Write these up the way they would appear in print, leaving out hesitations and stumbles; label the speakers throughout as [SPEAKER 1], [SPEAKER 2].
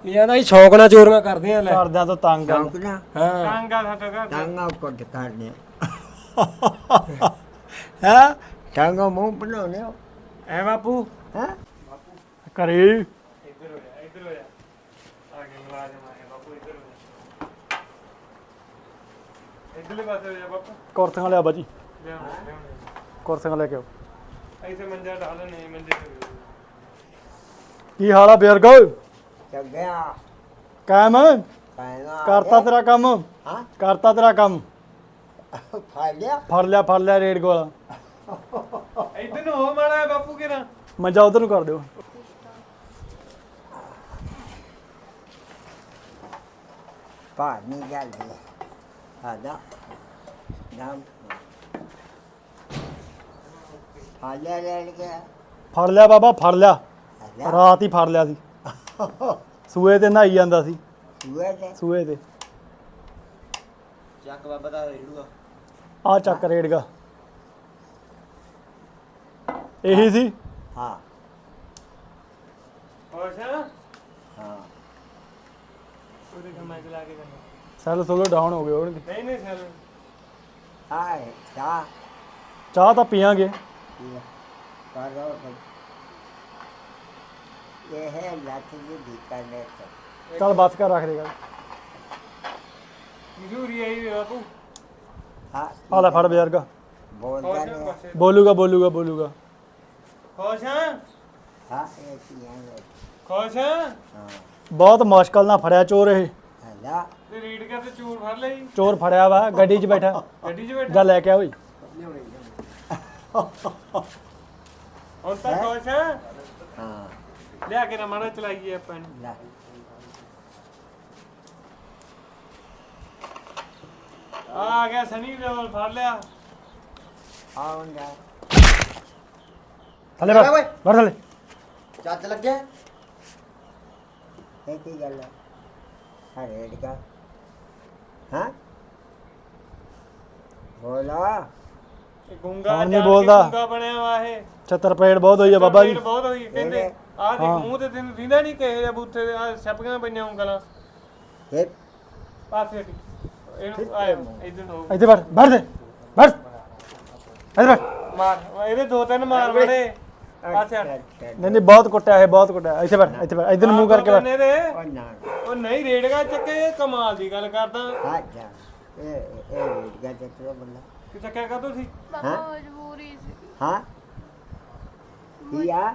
[SPEAKER 1] ਇਹ ਆਂਦਾ ਹੀ ਸ਼ੌਕ ਨਾਲ ਚੋਰੀਆਂ ਕਰਦੇ ਆ ਲੈ
[SPEAKER 2] ਕਰਦਿਆਂ ਤੋਂ ਤੰਗ ਆ
[SPEAKER 3] ਸ਼ੌਕ ਨਾ
[SPEAKER 1] ਹਾਂ
[SPEAKER 4] ਟਾਂਗਾ ਸਾਡਾ ਘਰ
[SPEAKER 3] ਟਾਂਗਾ ਕੁੱਟ ਕਰਨੇ ਹੈ ਟਾਂਗਾ ਮੂੰਹ ਬਣਾਉਣੇ
[SPEAKER 4] ਐ ਬਾਪੂ
[SPEAKER 3] ਹੈ
[SPEAKER 2] ਘਰੇ
[SPEAKER 4] ਇੱਧਰ ਹੋ ਜਾ ਆ ਕੇ ਮੁਲਾਜ਼ਮ ਆ ਗਿਆ ਬਾਪੂ ਇੱਧਰ ਹੋ ਜਾ ਇੱਧਰਲੇ ਪਾਸੇ ਹੋ ਜਾ ਬਾਪੂ
[SPEAKER 2] ਕੁਰਸੀਆਂ ਲਿਆ ਬਾਜੀ
[SPEAKER 4] ਲਿਆਉਣੇ
[SPEAKER 2] ਕੁਰਸੀਆਂ ਲੈ ਕੇ ਆਓ
[SPEAKER 4] ਇੱਥੇ ਮੰਜਾ ਢਾਲ ਨਹੀਂ ਮੰਜੇ ਤੇ
[SPEAKER 2] ਕੀ ਹਾਲ ਆ ਬਜ਼ੁਰਗ
[SPEAKER 3] ਚੱਗਿਆ
[SPEAKER 2] ਕਾਇਮ
[SPEAKER 3] ਪੈਣਾ
[SPEAKER 2] ਕਰਤਾ ਤੇਰਾ ਕੰਮ
[SPEAKER 3] ਹਾਂ
[SPEAKER 2] ਕਰਤਾ ਤੇਰਾ ਕੰਮ
[SPEAKER 3] ਫਾਲਿਆ
[SPEAKER 2] ਫੜ ਲਿਆ ਰੇਡ ਗੋਲਾ
[SPEAKER 4] ਇੱਧਰ ਨੂੰ ਹੋ ਮਾੜਾ ਬਾਪੂ ਕਿਰਾ
[SPEAKER 2] ਮੰਜਾ ਉਧਰ ਨੂੰ ਕਰ ਦਿਓ
[SPEAKER 3] ਪਾਣੀ ਗੱਲ ਹੈ ਆਦਾ ਨਾਮ ਫਾਲਿਆ ਲੈ ਗਿਆ
[SPEAKER 2] ਫੜ ਲਿਆ ਬਾਬਾ ਫੜ ਲਿਆ
[SPEAKER 3] ਆਦਾ
[SPEAKER 2] ਰਾਤ ਹੀ ਫੜ ਲਿਆ ਸੀ ਸੂਏ ਤੇ ਨਹਾਈ ਜਾਂਦਾ ਸੀ
[SPEAKER 3] ਸੂਏ ਤੇ
[SPEAKER 2] ਸੂਏ ਤੇ
[SPEAKER 1] ਚੱਕ ਬਾਬਾ ਦਾ ਰੇੜੂਗਾ
[SPEAKER 2] ਆ ਚੱਕ ਰੇੜਗਾ ਇਹੀ ਸੀ
[SPEAKER 3] ਹਾਂ
[SPEAKER 4] ਅੱਛਾ
[SPEAKER 3] ਹਾਂ
[SPEAKER 4] ਉਹਦੇ ਕਮਾਈ ਚਲਾ ਕੇ ਕਰਨਾ
[SPEAKER 2] ਸੈੱਲ ਸੋਲੋ ਡਾਊਨ ਹੋ ਗਏ ਹੋਣਗੇ
[SPEAKER 4] ਨਹੀਂ ਸਰ
[SPEAKER 3] ਆਏ ਚਾ
[SPEAKER 2] ਚਾਹ ਤਾਂ ਪੀਾਂਗੇ
[SPEAKER 3] ਕਰੋ ਇਹ ਹੈ ਲੱਤ ਦੀ ਦੀਕਾਨੇ ਤੇ
[SPEAKER 2] ਚੱਲ ਬਸ ਕਰ ਰੱਖ ਦੇਗਾ
[SPEAKER 4] ਮਜ਼ਦੂਰੀ ਆਈ ਬਾਪੂ
[SPEAKER 3] ਹਾਂ
[SPEAKER 2] ਆ ਲੈ ਫੜ ਬਜ਼ੁਰਗਾ
[SPEAKER 3] ਬੋਲਦਾ ਨਹੀਂ
[SPEAKER 2] ਬੋਲੂਗਾ
[SPEAKER 4] ਖੁਸ਼ ਹਾਂ
[SPEAKER 3] ਹਾਂ ਇਹ ਕੀ ਹੈ
[SPEAKER 4] ਖੁਸ਼ ਹਾਂ
[SPEAKER 3] ਹਾਂ
[SPEAKER 2] ਬਹੁਤ ਮੁਸ਼ਕਲ ਨਾਲ ਫੜਿਆ ਚੋਰ ਇਹ
[SPEAKER 3] ਹਲਾ
[SPEAKER 4] ਤੇ ਰੀਡ ਕਰ ਤੇ ਚੂਰ ਫੜ ਲਈ
[SPEAKER 2] ਚੋਰ ਫੜਿਆ ਵਾ ਗੱਡੀ 'ਚ ਬੈਠਾ
[SPEAKER 4] ਗੱਡੀ 'ਚ ਬੈਠਾ
[SPEAKER 2] ਜਾ ਲੈ ਕੇ ਆ ਓਏ
[SPEAKER 4] ਹੁਣ ਤਾਂ ਖੁਸ਼ ਹਾਂ
[SPEAKER 3] ਹਾਂ
[SPEAKER 4] ਲਿਆ ਕੇ ਨਾ ਮਾੜਾ ਚਲਾਈਏ ਆਪਾਂ ਨੂੰ
[SPEAKER 3] ਲੈ
[SPEAKER 4] ਆ ਗਿਆ ਸਨੀ ਲੈਵਲ ਫੜ ਲਿਆ
[SPEAKER 3] ਆਉਂਦਾ
[SPEAKER 2] ਥੱਲੇ ਬੈਠ ਬੈਠ ਥੱਲੇ
[SPEAKER 3] ਚੱਜ ਲੱਗਿਆ ਇਹ ਕੀ ਗੱਲ ਹੈ ਹਾਂ ਰੇਡ ਕਾ ਹਾਂ ਬੋਲਾ
[SPEAKER 4] ਇਹ ਗੁੰਗਾ
[SPEAKER 2] ਹੁਣ ਨੀ
[SPEAKER 4] ਜਾ ਕੇ
[SPEAKER 2] ਬੋਲਦਾ।
[SPEAKER 4] ਗੁੰਗਾ ਬਣਿਆ ਵਾ ਇਹ
[SPEAKER 2] ਛੱਤਰ ਪੇੜ ਬਹੁਤ ਹੋਈ ਆ ਬਾਬਾ ਜੀ
[SPEAKER 4] ਭੀੜ ਬਹੁਤ ਹੋਈ ਕਹਿੰਦੇ ਆਹ ਦੇਖ ਮੂੰਹ ਤੇ ਤੈਨੂੰ ਦਿੰਦਾ ਨਹੀਂ ਕਿਸੇ ਦੇ ਬੂਥੇ ਦੇ ਆ ਛਪੀਆਂ ਪਈਆਂ ਉਂਗਲਾਂ
[SPEAKER 3] ਇਹ
[SPEAKER 4] ਪਾਸੇ ਹਟੀ ਇਹਨੂੰ ਆਏ ਇਧਰ ਨੂੰ
[SPEAKER 2] ਇੱਥੇ ਬੈਠ ਬੈਠ ਦੇ ਬੈਠ ਇੱਥੇ ਬੈਠ
[SPEAKER 4] ਮਾਰ ਇਹਦੇ ਦੋ ਤਿੰਨ ਮਾਰ ਬੜੇ ਪਾਸੇ ਹਟ
[SPEAKER 2] ਨਹੀਂ ਬਹੁਤ ਕੁੱਟਿਆ ਇਹ ਬਹੁਤ ਕੁੱਟਿਆ ਇੱਥੇ ਬੈਠ ਇੱਧਰ ਨੂੰ ਮੂੰਹ ਕਰਕੇ ਬੈਠ
[SPEAKER 3] ਉਹ ਨਾ
[SPEAKER 4] ਉਹ ਨਹੀਂ ਰੇੜਗਾ ਚੱਕੇ ਇਹ ਕਮਾਲ ਦੀ ਗੱਲ ਕਰਦਾ
[SPEAKER 3] ਹਾਂ ਜਾ ਇਹ ਰੇਡ ਕਾ ਚੱਕਰ ਬੰਦਾ
[SPEAKER 4] ਕਿ ਚੱਕਿਆ ਕਦੋਂ ਸੀ
[SPEAKER 3] ਹਾਂ
[SPEAKER 5] ਮਜਬੂਰੀ ਸੀ
[SPEAKER 3] ਹਾਂ ਕੀਆ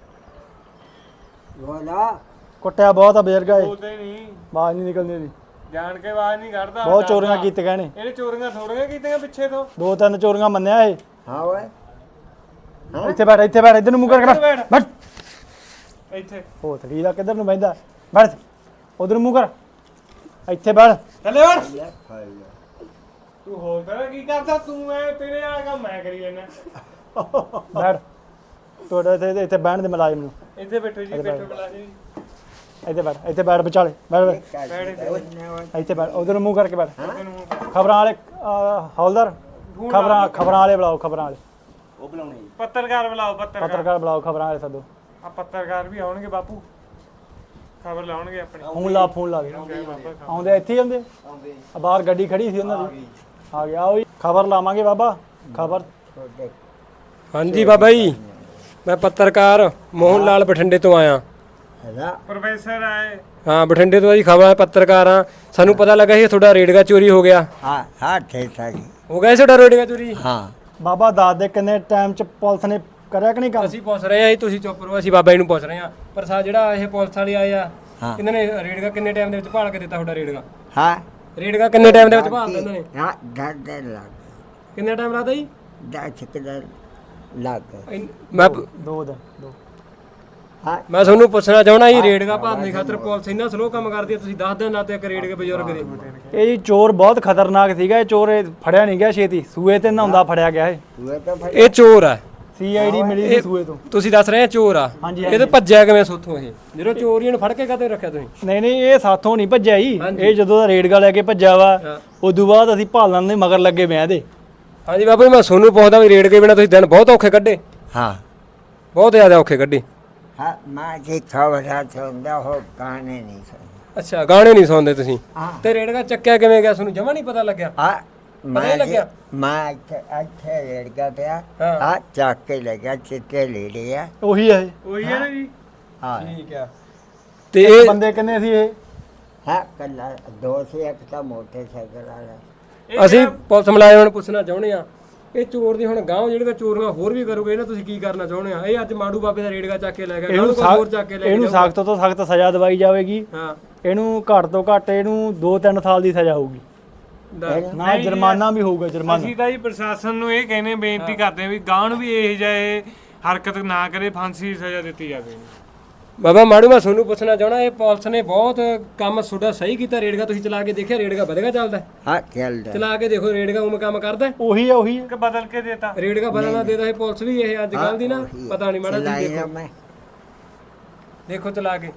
[SPEAKER 3] ਬੋਲਾ
[SPEAKER 2] ਕੁੱਟਿਆ ਬਹੁਤ ਆ ਬਜ਼ੁਰਗਾ ਇਹ
[SPEAKER 4] ਬੋਲਦੇ ਨਹੀਂ
[SPEAKER 2] ਆਵਾਜ਼ ਨਹੀਂ ਨਿਕਲਦੀ ਇਹਦੀ
[SPEAKER 4] ਜਾਣ ਕੇ ਆਵਾਜ਼ ਨਹੀਂ ਕੱਢਦਾ
[SPEAKER 2] ਬਹੁਤ ਚੋਰੀਆਂ ਕੀਤੀਆਂ ਨੇ
[SPEAKER 4] ਇਹਨੇ ਚੋਰੀਆਂ ਥੋੜੀਆਂ ਕੀਤੀਆਂ ਪਿੱਛੇ ਤੋਂ
[SPEAKER 2] ਦੋ ਤਿੰਨ ਚੋਰੀਆਂ ਮੰਨਿਆ ਇਹ
[SPEAKER 3] ਹਾਂ ਓਏ
[SPEAKER 2] ਇੱਥੇ ਬੈਠ ਇੱਧਰ ਨੂੰ ਮੂੰਹ ਕਰਕੇ ਬੈਠ ਬੈਠ
[SPEAKER 4] ਇੱਥੇ
[SPEAKER 2] ਹੋ ਥੜੀ ਦਾ ਕਿੱਧਰ ਨੂੰ ਬੈਠਦਾ ਬੈਠ ਉਧਰ ਨੂੰ ਮੂੰਹ ਕਰ ਇੱਥੇ ਬੈਠ
[SPEAKER 4] ਥੱਲੇ ਵੜ
[SPEAKER 3] ਲੈ ਫੜ ਲੈ
[SPEAKER 4] ਤੂੰ ਹੋਰ ਕਰ ਕੀ ਕਰਦਾ ਤੂੰ ਐ ਤੇਰੇ ਆ ਕੰਮ ਮੈਂ ਕਰੀ ਜਾਂਦਾ
[SPEAKER 2] ਬੈਠ ਤੁਹਾਡੇ ਇੱਥੇ ਬਹਿਣ ਦੇ ਮੁਲਾਜ਼ਮ ਨੂੰ
[SPEAKER 4] ਇੱਥੇ ਬੈਠੋ ਜੀ ਬੈਠੋ ਬੁਲਾ ਜੀ
[SPEAKER 2] ਇੱਥੇ ਬੈਠ ਵਿਚਾਲੇ ਬੈਠ ਇੱਥੇ ਬੈਠ ਉਧਰ ਨੂੰ ਮੂੰਹ ਕਰਕੇ ਬੈਠ ਖਬਰਾਂ ਵਾਲੇ ਹੌਲਦਾਰ ਖਬਰਾਂ ਵਾਲੇ ਬੁਲਾਓ ਖਬਰਾਂ ਵਾਲੇ
[SPEAKER 1] ਉਹ ਬੁਲਾਉਣੇ ਜੀ
[SPEAKER 4] ਪੱਤਰਕਾਰ ਬੁਲਾਓ ਪੱਤਰਕਾਰ
[SPEAKER 2] ਪੱਤਰਕਾਰ ਬੁਲਾਓ ਖਬਰਾਂ ਵਾਲੇ ਸੱਦੋ
[SPEAKER 4] ਆ ਪੱਤਰਕਾਰ ਵੀ ਆਉਣਗੇ ਬਾਪੂ ਖਬਰ ਲਾਉਣਗੇ ਆਪਣੀ
[SPEAKER 2] ਫੋਨ ਲਾ ਦੇ ਆਉਂਦੇ ਇੱਥੇ ਹੀ ਆਉਂਦੇ ਆ ਬਾਹਰ ਗੱਡੀ ਖੜੀ ਸੀ ਉਹਨਾਂ ਦੀ ਆ ਗਿਆ ਉਹ ਖਬਰ ਲਾਵਾਂਗੇ ਬਾਬਾ ਖਬਰ
[SPEAKER 1] ਹਾਂਜੀ ਬਾਬਾ ਜੀ ਮੈਂ ਪੱਤਰਕਾਰ ਮੋਹਨ ਲਾਲ ਬਠਿੰਡੇ ਤੋਂ ਆਇਆ
[SPEAKER 3] ਹਲਾ
[SPEAKER 4] ਪ੍ਰੋਫੈਸਰ ਆਏ
[SPEAKER 1] ਹਾਂ ਬਠਿੰਡੇ ਤੋਂ ਜੀ ਖਬਰ ਪੱਤਰਕਾਰ ਆ ਸਾਨੂੰ ਪਤਾ ਲੱਗਾ ਸੀ ਤੁਹਾਡਾ ਰੇੜਗਾ ਚੋਰੀ ਹੋ ਗਿਆ
[SPEAKER 3] ਹਾਂ ਹਾਂ ਠੀਕ ਹੈ ਜੀ
[SPEAKER 1] ਹੋ ਗਿਆ ਸੀ ਤੁਹਾਡਾ ਰੇੜਗਾ ਚੋਰੀ
[SPEAKER 3] ਹਾਂ
[SPEAKER 2] ਬਾਬਾ ਦੱਸ ਦੇ ਕਿੰਨੇ ਟਾਈਮ ਚ ਪੁਲਿਸ ਨੇ ਕਰਿਆ ਕਿ ਨਹੀਂ ਕੰਮ
[SPEAKER 1] ਅਸੀਂ ਪੁੱਛ ਰਹੇ ਆ ਜੀ ਤੁਸੀਂ ਚੁੱਪ ਰਹੋ ਅਸੀਂ ਬਾਬਾ ਜੀ ਨੂੰ ਪੁੱਛ ਰਹੇ ਆ ਪਰ ਜਿਹੜਾ ਇਹ ਪੁਲਿਸ ਵਾਲੇ ਆਏ ਆ
[SPEAKER 3] ਹਾਂ।
[SPEAKER 1] ਇਹਨਾਂ ਨੇ ਰੇੜਗਾ ਕਿੰਨੇ ਟਾਈਮ ਦੇ ਵਿੱਚ ਭਾਲ ਕੇ ਦਿੱਤਾ ਤੁਹਾਡਾ ਰੇੜਗਾ
[SPEAKER 3] ਹਾਂ
[SPEAKER 1] ਰੇੜਗਾ ਕਿੰਨੇ ਟਾਈਮ ਦੇ ਵਿੱਚ ਭਾਲਦਾ ਇਹਨਾਂ ਨੇ
[SPEAKER 3] ਹਾਂ ਦਰਦ ਲੱਗ
[SPEAKER 1] ਕਿੰਨੇ ਟਾਈਮ ਲੱਗਦਾ ਜੀ
[SPEAKER 3] ਦਾ ਚੱਕਰ ਲੱਗ
[SPEAKER 1] ਮੈਂ
[SPEAKER 2] 2 ਦਿਨ 2
[SPEAKER 3] ਹਾਂ
[SPEAKER 1] ਮੈਂ ਤੁਹਾਨੂੰ ਪੁੱਛਣਾ ਚਾਹਣਾ ਜੀ ਰੇੜਗਾ ਭਾਲਣ ਦੀ ਖਾਤਰ ਪੁਲਿਸ ਇੰਨਾ ਸਲੋ ਕੰਮ ਕਰਦੀ ਹੈ ਤੁਸੀਂ 10 ਦਿਨ ਲਾਤੇ ਇੱਕ ਰੇੜਗੇ ਬਜ਼ੁਰਗ ਦੇ
[SPEAKER 2] ਇਹ ਜੀ ਚੋਰ ਬਹੁਤ ਖਤਰਨਾਕ ਸੀਗਾ ਇਹ ਚੋਰ ਇਹ ਫੜਿਆ ਨਹੀਂ ਗਿਆ ਛੇਤੀ ਸੂਏ ਤੇ ਨਹਾਉਂਦਾ ਫੜਿਆ ਗਿਆ ਇਹ
[SPEAKER 3] ਤੂੰ ਤਾਂ ਫਿਰ
[SPEAKER 1] ਇਹ ਚੋਰ ਆ
[SPEAKER 2] ਸੀਆਈਡੀ ਮਿਲੀ ਸੀ ਸੂਏ ਤੋਂ
[SPEAKER 1] ਤੁਸੀਂ ਦੱਸ ਰਹੇ ਆ ਚੋਰ ਆ
[SPEAKER 2] ਹਾਂਜੀ,
[SPEAKER 1] ਇਹ ਤਾਂ ਭੱਜਿਆ ਕਿਵੇਂ ਸੋਥੋਂ ਇਹ ਜਦੋਂ ਚੋਰੀਆਂ ਨੂੰ ਫੜ ਕੇ ਕਦੇ ਰੱਖਿਆ ਤੁਸੀਂ
[SPEAKER 2] ਨਹੀਂ ਇਹ ਸਾਥੋਂ ਨਹੀਂ ਭੱਜਿਆ ਜੀ ਇਹ ਜਦੋਂ ਦਾ ਰੇਡਗਾ ਲੈ ਕੇ ਭੱਜਿਆ ਵਾ ਉਦੋਂ ਬਾਅਦ ਅਸੀਂ ਭਾਲਣ ਦੇ ਮਗਰ ਲੱਗੇ ਵਿਆਹ ਦੇ
[SPEAKER 1] ਹਾਂਜੀ ਬਾਬਾ ਜੀ ਮੈਂ ਤੁਹਾਨੂੰ ਪੁੱਛਦਾ ਵੀ ਰੇੜਗੇ ਬਿਨਾ ਤੁਸੀਂ ਦਿਨ ਬਹੁਤ ਔਖੇ ਕੱਢੇ
[SPEAKER 3] ਹਾਂ
[SPEAKER 1] ਬਹੁਤ ਜ਼ਿਆਦਾ ਔਖੇ ਕੱਢੇ
[SPEAKER 3] ਹਾਂ ਮੈਂ ਜੀ ਖਬਰਾਂ ਸੁਣਦਾ ਹੋ ਗਾਣੇ ਨਹੀਂ ਸੁਣਦਾ
[SPEAKER 1] ਅੱਛਾ ਗਾਣੇ ਨਹੀਂ ਸੁਣਦੇ ਤੁਸੀਂ
[SPEAKER 3] ਹਾਂ
[SPEAKER 1] ਤੇ ਰੇੜਕਾ ਚੱਕਿਆ ਕਿਵੇਂ ਗਿਆ ਤੁਹਾਨੂੰ ਜਮਾ ਨਹੀਂ ਪਤਾ ਲੱਗਿਆ
[SPEAKER 3] ਆ ਮੈਂ
[SPEAKER 1] ਲੱਗਿਆ?
[SPEAKER 3] ਮੈਂ ਇੱਥੇ ਰੇੜਕਾ ਪਿਆ
[SPEAKER 1] ਹਾਂ।
[SPEAKER 3] ਆ ਚੱਕ ਕੇ ਲੱਗਿਆ ਚਿੱਟੇ ਲੈ ਲਿਆ
[SPEAKER 2] ਉਹੀ ਹੈ ਇਹ।
[SPEAKER 4] ਉਹੀ ਹੈ ਨਾ ਜੀ
[SPEAKER 3] ਹਾਂ
[SPEAKER 1] ਠੀਕ ਆ ਤੇ ਇਹ
[SPEAKER 2] ਬੰਦੇ ਕਿੰਨੇ ਸੀ ਇਹ
[SPEAKER 3] ਹਾਂ ਕੱਲਾ ਦੋ ਸੀ ਇੱਕ ਤਾਂ ਮੋਟਰਸਾਈਕਲ ਵਾਲਾ
[SPEAKER 1] ਅਸੀਂ ਪੁਲਿਸ ਮੁਲਾਜ਼ਮਾਂ ਨੂੰ ਪੁੱਛਣਾ ਚਾਹੁੰਦੇ ਆ ਇਹ ਚੋਰ ਦੀ ਹੁਣ ਗਾਂਵ ਜਿਹੜੀਆਂ ਚੋਰੀਆਂ ਹੋਰ ਵੀ ਕਰੋਗੇ ਇਹਨਾਂ ਤੁਸੀਂ ਕੀ ਕਰਨਾ ਚਾਹੁੰਦੇ ਆ ਇਹ ਅੱਜ ਮਾੜੂ ਬਾਬੇ ਦਾ ਰੇੜਕਾ ਚੱਕ ਕੇ ਲੈ ਗਿਆ
[SPEAKER 2] ਇਹਨੂੰ
[SPEAKER 1] ਕੱਲ੍ਹ ਕੋਈ ਹੋਰ ਚੱਕ ਕੇ ਲੈ
[SPEAKER 2] ਇਹਨੂੰ
[SPEAKER 1] ਜਾਊਗਾ।
[SPEAKER 2] ਸਖਤ ਤੋਂ ਸਖਤ ਸਜ਼ਾ ਦਵਾਈ ਜਾਵੇਗੀ
[SPEAKER 1] ਹਾਂ
[SPEAKER 2] ਇਹਨੂੰ ਘੱਟ ਤੋਂ ਘੱਟ ਇਹਨੂੰ 2-3 ਸਾਲ ਦੀ ਸਜ਼ਾ ਹੋਊਗੀ
[SPEAKER 1] ਦੱਸ।
[SPEAKER 2] ਨਾ ਜੁਰਮਾਨਾ ਵੀ ਹੋਊਗਾ ਜੁਰਮਾਨਾ
[SPEAKER 4] ਅਸੀਂ ਤਾਂ ਜੀ ਪ੍ਰਸ਼ਾਸਨ ਨੂੰ ਇਹ ਕਹਿੰਦੇ ਬੇਨਤੀ ਕਰਦੇ ਆ ਵੀ ਗਾਂ ਨੂੰ ਵੀ ਇਹ ਜਿਹੇ ਹਰਕਤ ਨਾ ਕਰੇ ਫਾਂਸੀ ਦੀ ਸਜ਼ਾ ਦਿੱਤੀ ਜਾਵੇ
[SPEAKER 1] ਬਾਬਾ ਮਾੜੂ ਮੈਂ ਤੁਹਾਨੂੰ ਪੁੱਛਣਾ ਚਾਹਣਾ ਇਹ ਪੁਲਿਸ ਨੇ ਬਹੁਤ ਕੰਮ ਤੁਹਾਡਾ ਸਹੀ ਕੀਤਾ ਰੇੜਕਾ ਤੁਸੀਂ ਚਲਾ ਕੇ ਦੇਖਿਆ ਰੇੜਕਾ ਵਧੇਗਾ ਚੱਲਦਾ ਹੈ?
[SPEAKER 3] ਹਾਂ ਚੱਲਦਾ
[SPEAKER 1] ਚਲਾ ਕੇ ਦੇਖੋ ਰੇੜਕਾ ਉਵੇਂ ਕੰਮ ਕਰਦਾ ਹੈ?
[SPEAKER 2] ਉਹੀ ਹੈ ਉਹੀ ਹੈ
[SPEAKER 4] ਕਿ ਬਦਲ ਕੇ ਦੇਤਾ
[SPEAKER 1] ਰੇੜਕਾ ਬਦਲਣਾ ਦੇਦਾ ਇਹ ਪੁਲਿਸ ਵੀ ਇਹ ਅੱਜ ਕੱਲ ਦੀ ਨਾ ਪਤਾ ਨਹੀਂ ਮਾੜਾ ਜੀ
[SPEAKER 3] ਚਲਾਇਆ
[SPEAKER 1] ਦੇਖੋ
[SPEAKER 3] ਮੈਂ
[SPEAKER 1] ਦੇਖੋ ਚਲਾ ਕੇ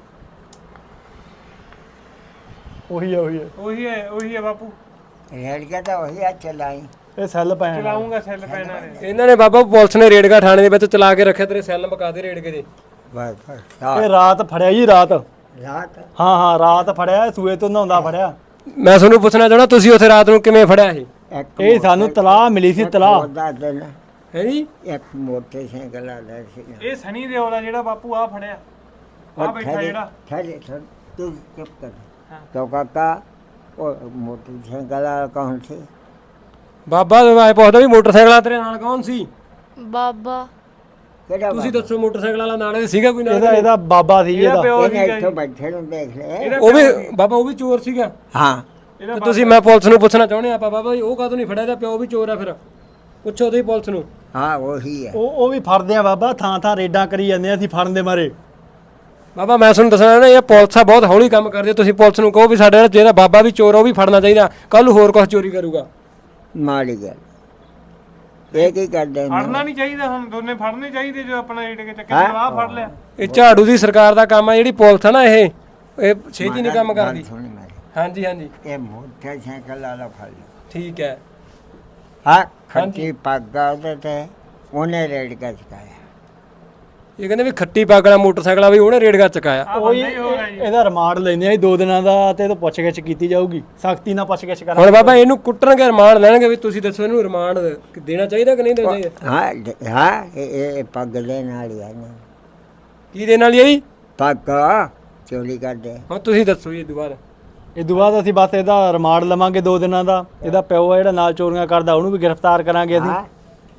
[SPEAKER 2] ਉਹੀ ਹੈ ਉਹੀ ਹੈ
[SPEAKER 4] ਉਹੀ ਹੈ ਬਾਪੂ
[SPEAKER 3] ਰੇੜਕਾ ਤਾਂ ਉਹੀ ਆ ਚਲਾਈ
[SPEAKER 2] ਇਹ ਸੈੱਲ ਪੈਣ
[SPEAKER 4] ਚਲਾਉਂਗਾ ਸੈੱਲ ਪੈਣਾ ਨੇ
[SPEAKER 1] ਇਹਨਾਂ ਨੇ ਬਾਬਾ ਪੁਲਿਸ ਨੇ ਰੇੜਕਾ ਥਾਣੇ ਦੇ ਵਿੱਚ ਚਲਾ ਕੇ ਰੱਖਿਆ ਤੇਰੇ ਸੈੱਲ ਮੁਕਾ ਦੇ ਰੇੜਕੇ ਦੇ
[SPEAKER 3] ਬਸ ਬਸ
[SPEAKER 2] ਇਹ ਰਾਤ ਫੜਿਆ ਜੀ ਰਾਤ
[SPEAKER 3] ਰਾਤ
[SPEAKER 2] ਹਾਂ ਹਾਂ ਰਾਤ ਫੜਿਆ ਸੂਏ ਤੋਂ ਨਹਾਉਂਦਾ ਫੜਿਆ
[SPEAKER 1] ਮੈਂ ਤੁਹਾਨੂੰ ਪੁੱਛਣਾ ਚਾਹਣਾ ਤੁਸੀਂ ਉੱਥੇ ਰਾਤ ਨੂੰ ਕਿਵੇਂ ਫੜਿਆ ਇਹ
[SPEAKER 3] ਇੱਕ
[SPEAKER 2] ਇਹ ਸਾਨੂੰ ਤਲਾਹ ਮਿਲੀ ਸੀ ਤਲਾਹ
[SPEAKER 3] ਉਹਦਾ ਦਿਨ
[SPEAKER 1] ਹੈ ਜੀ
[SPEAKER 3] ਇੱਕ ਮੋਟਰਸਾਈਕਲ ਵਾਲਾ ਸੀ
[SPEAKER 4] ਇਹ ਸਨੀ ਦਿਓਲ ਦਾ ਜਿਹੜਾ ਬਾਪੂ ਆ ਫੜਿਆ ਆ ਬੈਠਾ ਜਿਹੜਾ
[SPEAKER 3] ਠਹਿਰੇ ਤੂੰ ਚੁੱਪ ਕਰ ਕਿਉਂ ਕਾਕਾ ਉਹ ਮੋਟਰਸਾਈਕਲ ਵਾਲਾ ਕੌਣ ਸੀ
[SPEAKER 1] ਬਾਬਾ ਆਏ ਪੁੱਛਦਾ ਵੀ ਮੋਟਰਸਾਈਕਲ ਤੇਰੇ ਨਾਲ ਕੌਣ ਸੀ
[SPEAKER 5] ਬਾਬਾ
[SPEAKER 3] ਕਿਹੜਾ
[SPEAKER 1] ਤੁਸੀਂ ਦੱਸੋ ਮੋਟਰਸਾਈਕਲ ਵਾਲਾ ਨਾਲ ਇਹ ਸੀਗਾ ਕੋਈ ਨਾਲ
[SPEAKER 2] ਇਹਦਾ ਬਾਬਾ ਸੀ
[SPEAKER 4] ਇਹਦਾ
[SPEAKER 2] ਇਹਦਾ
[SPEAKER 4] ਪਿਓ
[SPEAKER 3] ਇਹਨੇ
[SPEAKER 4] ਸੀਗਾ
[SPEAKER 3] ਇੱਥੋਂ
[SPEAKER 4] ਜੀ
[SPEAKER 3] ਬੈਠੇ ਨੂੰ ਦੇਖ ਲੈ
[SPEAKER 4] ਇਹਦਾ
[SPEAKER 1] ਉਹ ਵੀ ਬਾਬਾ ਉਹ ਵੀ ਚੋਰ ਸੀਗਾ
[SPEAKER 3] ਹਾਂ
[SPEAKER 4] ਇਹਦਾ
[SPEAKER 1] ਤੇ ਤੁਸੀਂ ਮੈਂ ਪੁਲਿਸ ਨੂੰ ਪੁੱਛਣਾ ਚਾਹੁੰਦੇ ਆਪਾਂ ਬਾਬਾ ਜੀ ਉਹ ਕਾਹਤੋਂ ਨਹੀਂ ਫੜਿਆ ਇਹਦਾ ਪਿਓ ਵੀ ਚੋਰ ਆ ਫਿਰ ਪੁੱਛੋ ਤੁਸੀਂ ਪੁਲਿਸ ਨੂੰ
[SPEAKER 3] ਹਾਂ ਉਹੀ ਹੈ
[SPEAKER 2] ਉਹ ਵੀ ਫੜਦੇ ਆ ਬਾਬਾ ਥਾਂ ਥਾਂ ਰੇਡਾਂ ਕਰੀ ਜਾਂਦੇ ਆ ਅਸੀਂ ਫੜਨ ਦੇ ਮਾਰੇ
[SPEAKER 1] ਬਾਬਾ ਮੈਂ ਤੁਹਾਨੂੰ ਦੱਸਣਾ ਨਾ ਇਹ ਪੁਲਿਸ ਆ ਬਹੁਤ ਹੌਲੀ ਕੰਮ ਕਰਦੀ ਹੈ ਤੁਸੀਂ ਪੁਲਿਸ ਨੂੰ ਕਹੋ ਵੀ ਸਾਡੇ ਨਾਲ ਜਿਹੜਾ ਬਾਬਾ ਵੀ ਚੋਰ ਆ, ਉਹ ਵੀ ਫੜਨਾ ਚਾਹੀਦਾ ਕੱਲ ਨੂੰ ਹੋਰ ਕੁਝ ਚੋਰੀ ਕਰੂਗਾ
[SPEAKER 3] ਮਾੜੀ ਗੱਲ ਇਹ ਕੀ ਕਰਦੇ ਨੇ
[SPEAKER 4] ਫੜਨਾ ਨਹੀਂ ਚਾਹੀਦਾ ਹੁਣ ਦੋਨੇ ਫੜਨੇ ਚਾਹੀਦੇ ਜੋ ਆਪਣਾ ਰੇਟ ਕੇ ਚੱਕੇ
[SPEAKER 3] ਹੈਂ?
[SPEAKER 4] ਜਵਾਬ ਫੜ ਲਿਆ
[SPEAKER 1] ਇਹ ਝਾੜੂ ਦੀ ਸਰਕਾਰ ਦਾ ਕੰਮ ਆ ਜਿਹੜੀ ਪੁਲਿਸ ਆ ਨਾ ਇਹ ਛੇਤੀ ਨਹੀਂ ਕੰਮ
[SPEAKER 3] ਗੱਲ
[SPEAKER 1] ਕਰਦੀ
[SPEAKER 3] ਸੁਣ ਮੇਰੀ
[SPEAKER 1] ਹਾਂਜੀ ਹਾਂਜੀ
[SPEAKER 3] ਇਹ ਮੋਟਰਸਾਈਕਲ ਵਾਲਾ ਫੜ ਲਿਆ
[SPEAKER 1] ਠੀਕ ਹੈ
[SPEAKER 3] ਹਾਂ ਖੱਟੀ ਪੱਗ ਆ ਉਹਦੇ ਤੇ ਉਹਨੇ ਰੇਡ ਕੇ ਚਕਾਇਆ
[SPEAKER 1] ਇਹ ਕਹਿੰਦੇ ਵੀ ਖੱਟੀ ਪੱਗ ਵਾਲਾ ਮੋਟਰਸਾਈਕਲ ਆ ਵੀ ਉਹਨੇ ਰੇੜਗਾ ਚਕਾਇਆ
[SPEAKER 4] ਆ
[SPEAKER 2] ਉਹੀ
[SPEAKER 4] ਬੰਦਾ ਹੀ ਹੋ ਗਿਆ ਜੀ
[SPEAKER 2] ਇਹਦਾ ਰਿਮਾਂਡ ਲੈਂਦੇ ਆ ਜੀ 2 ਦਿਨਾਂ ਦਾ ਤੇ ਇਹਤੋਂ ਪੁੱਛਗਿੱਛ ਕੀਤੀ ਜਾਊਗੀ ਸਖਤੀ ਨਾਲ ਪੁੱਛਗਿੱਛ
[SPEAKER 1] ਹੁਣ
[SPEAKER 2] ਕਰਾਂਗੇ
[SPEAKER 1] ਬਾਬਾ ਇਹਨੂੰ ਕੁੱਟਣਗੇ ਰਿਮਾਂਡ ਲੈਣਗੇ ਵੀ ਤੁਸੀਂ ਦੱਸੋ ਇਹਨੂੰ ਰਿਮਾਂਡ ਦੇਣਾ ਚਾਹੀਦਾ ਕਿ ਨਹੀਂ ਦੇਣਾ ਚਾਹੀਦਾ
[SPEAKER 3] ਹਾਂ ਇਹ ਪੱਗ ਦੇ ਨਾਲ ਹੀ ਆ ਨਾ
[SPEAKER 1] ਕੀ ਦੇਣ ਵਾਲੀ ਹੈ ਜੀ
[SPEAKER 3] ਪੱਗ ਚੋਰੀ ਕਰਦੇ
[SPEAKER 1] ਹੁਣ ਤੁਸੀਂ ਦੱਸੋ ਜੀ ਦੁਬਾਰਾ
[SPEAKER 2] ਇਹ ਤੋਂ ਬਾਅਦ ਅਸੀਂ ਬਸ ਇਹਦਾ ਰਿਮਾਂਡ ਲਵਾਂਗੇ 2 ਦਿਨਾਂ ਦਾ ਇਹਦਾ ਪਿਓ ਆ ਜਿਹੜਾ ਨਾਲ ਚੋਰੀਆਂ ਕਰਦਾ ਉਹਨੂੰ ਵੀ ਗ੍ਰਿਫਤਾਰ ਕਰਾਂਗੇ ਅਸੀਂ
[SPEAKER 3] ਹਾਂ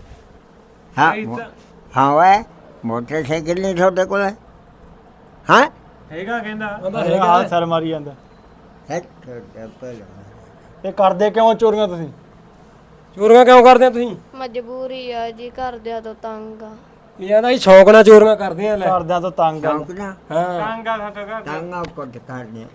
[SPEAKER 3] ਹਾਂ ਓਏ ਮੋਟਰਸਾਈਕਲ ਨਹੀਂ ਤੁਹਾਡੇ ਕੋਲ ਹਾਂ
[SPEAKER 4] ਹੈਗਾ ਕਹਿੰਦਾ
[SPEAKER 2] ਹਾਂ ਸਰ ਮਾਰੀ ਜਾਂਦਾ
[SPEAKER 3] ਹੈ ਤੁਹਾਡਾ ਭਲਾ
[SPEAKER 2] ਇਹ ਕਰਦੇ ਕਿਉਂ ਚੋਰੀਆਂ ਤੁਸੀਂ
[SPEAKER 1] ਚੋਰੀਆਂ ਕਿਉਂ ਕਰਦੇ ਆ ਤੁਸੀਂ
[SPEAKER 5] ਮਜਬੂਰੀ ਆ ਜੀ ਘਰਦਿਆਂ ਤੋਂ ਤੰਗ ਆ
[SPEAKER 1] ਇਹ ਆਂਦਾ ਜੀ ਸ਼ੌਕ ਨਾਲ ਚੋਰੀਆਂ ਕਰਦੇ ਆ ਲੈ
[SPEAKER 2] ਘਰਦਿਆਂ ਤੋਂ ਤੰਗ ਆ
[SPEAKER 3] ਸ਼ੌਂਕ ਨਾ
[SPEAKER 1] ਹਾਂ
[SPEAKER 4] ਟਾਂਗਾ ਸਾਡਾ ਘਰ
[SPEAKER 3] ਟਾਂਗਾ ਕੁੱਟ ਕਰਨੇ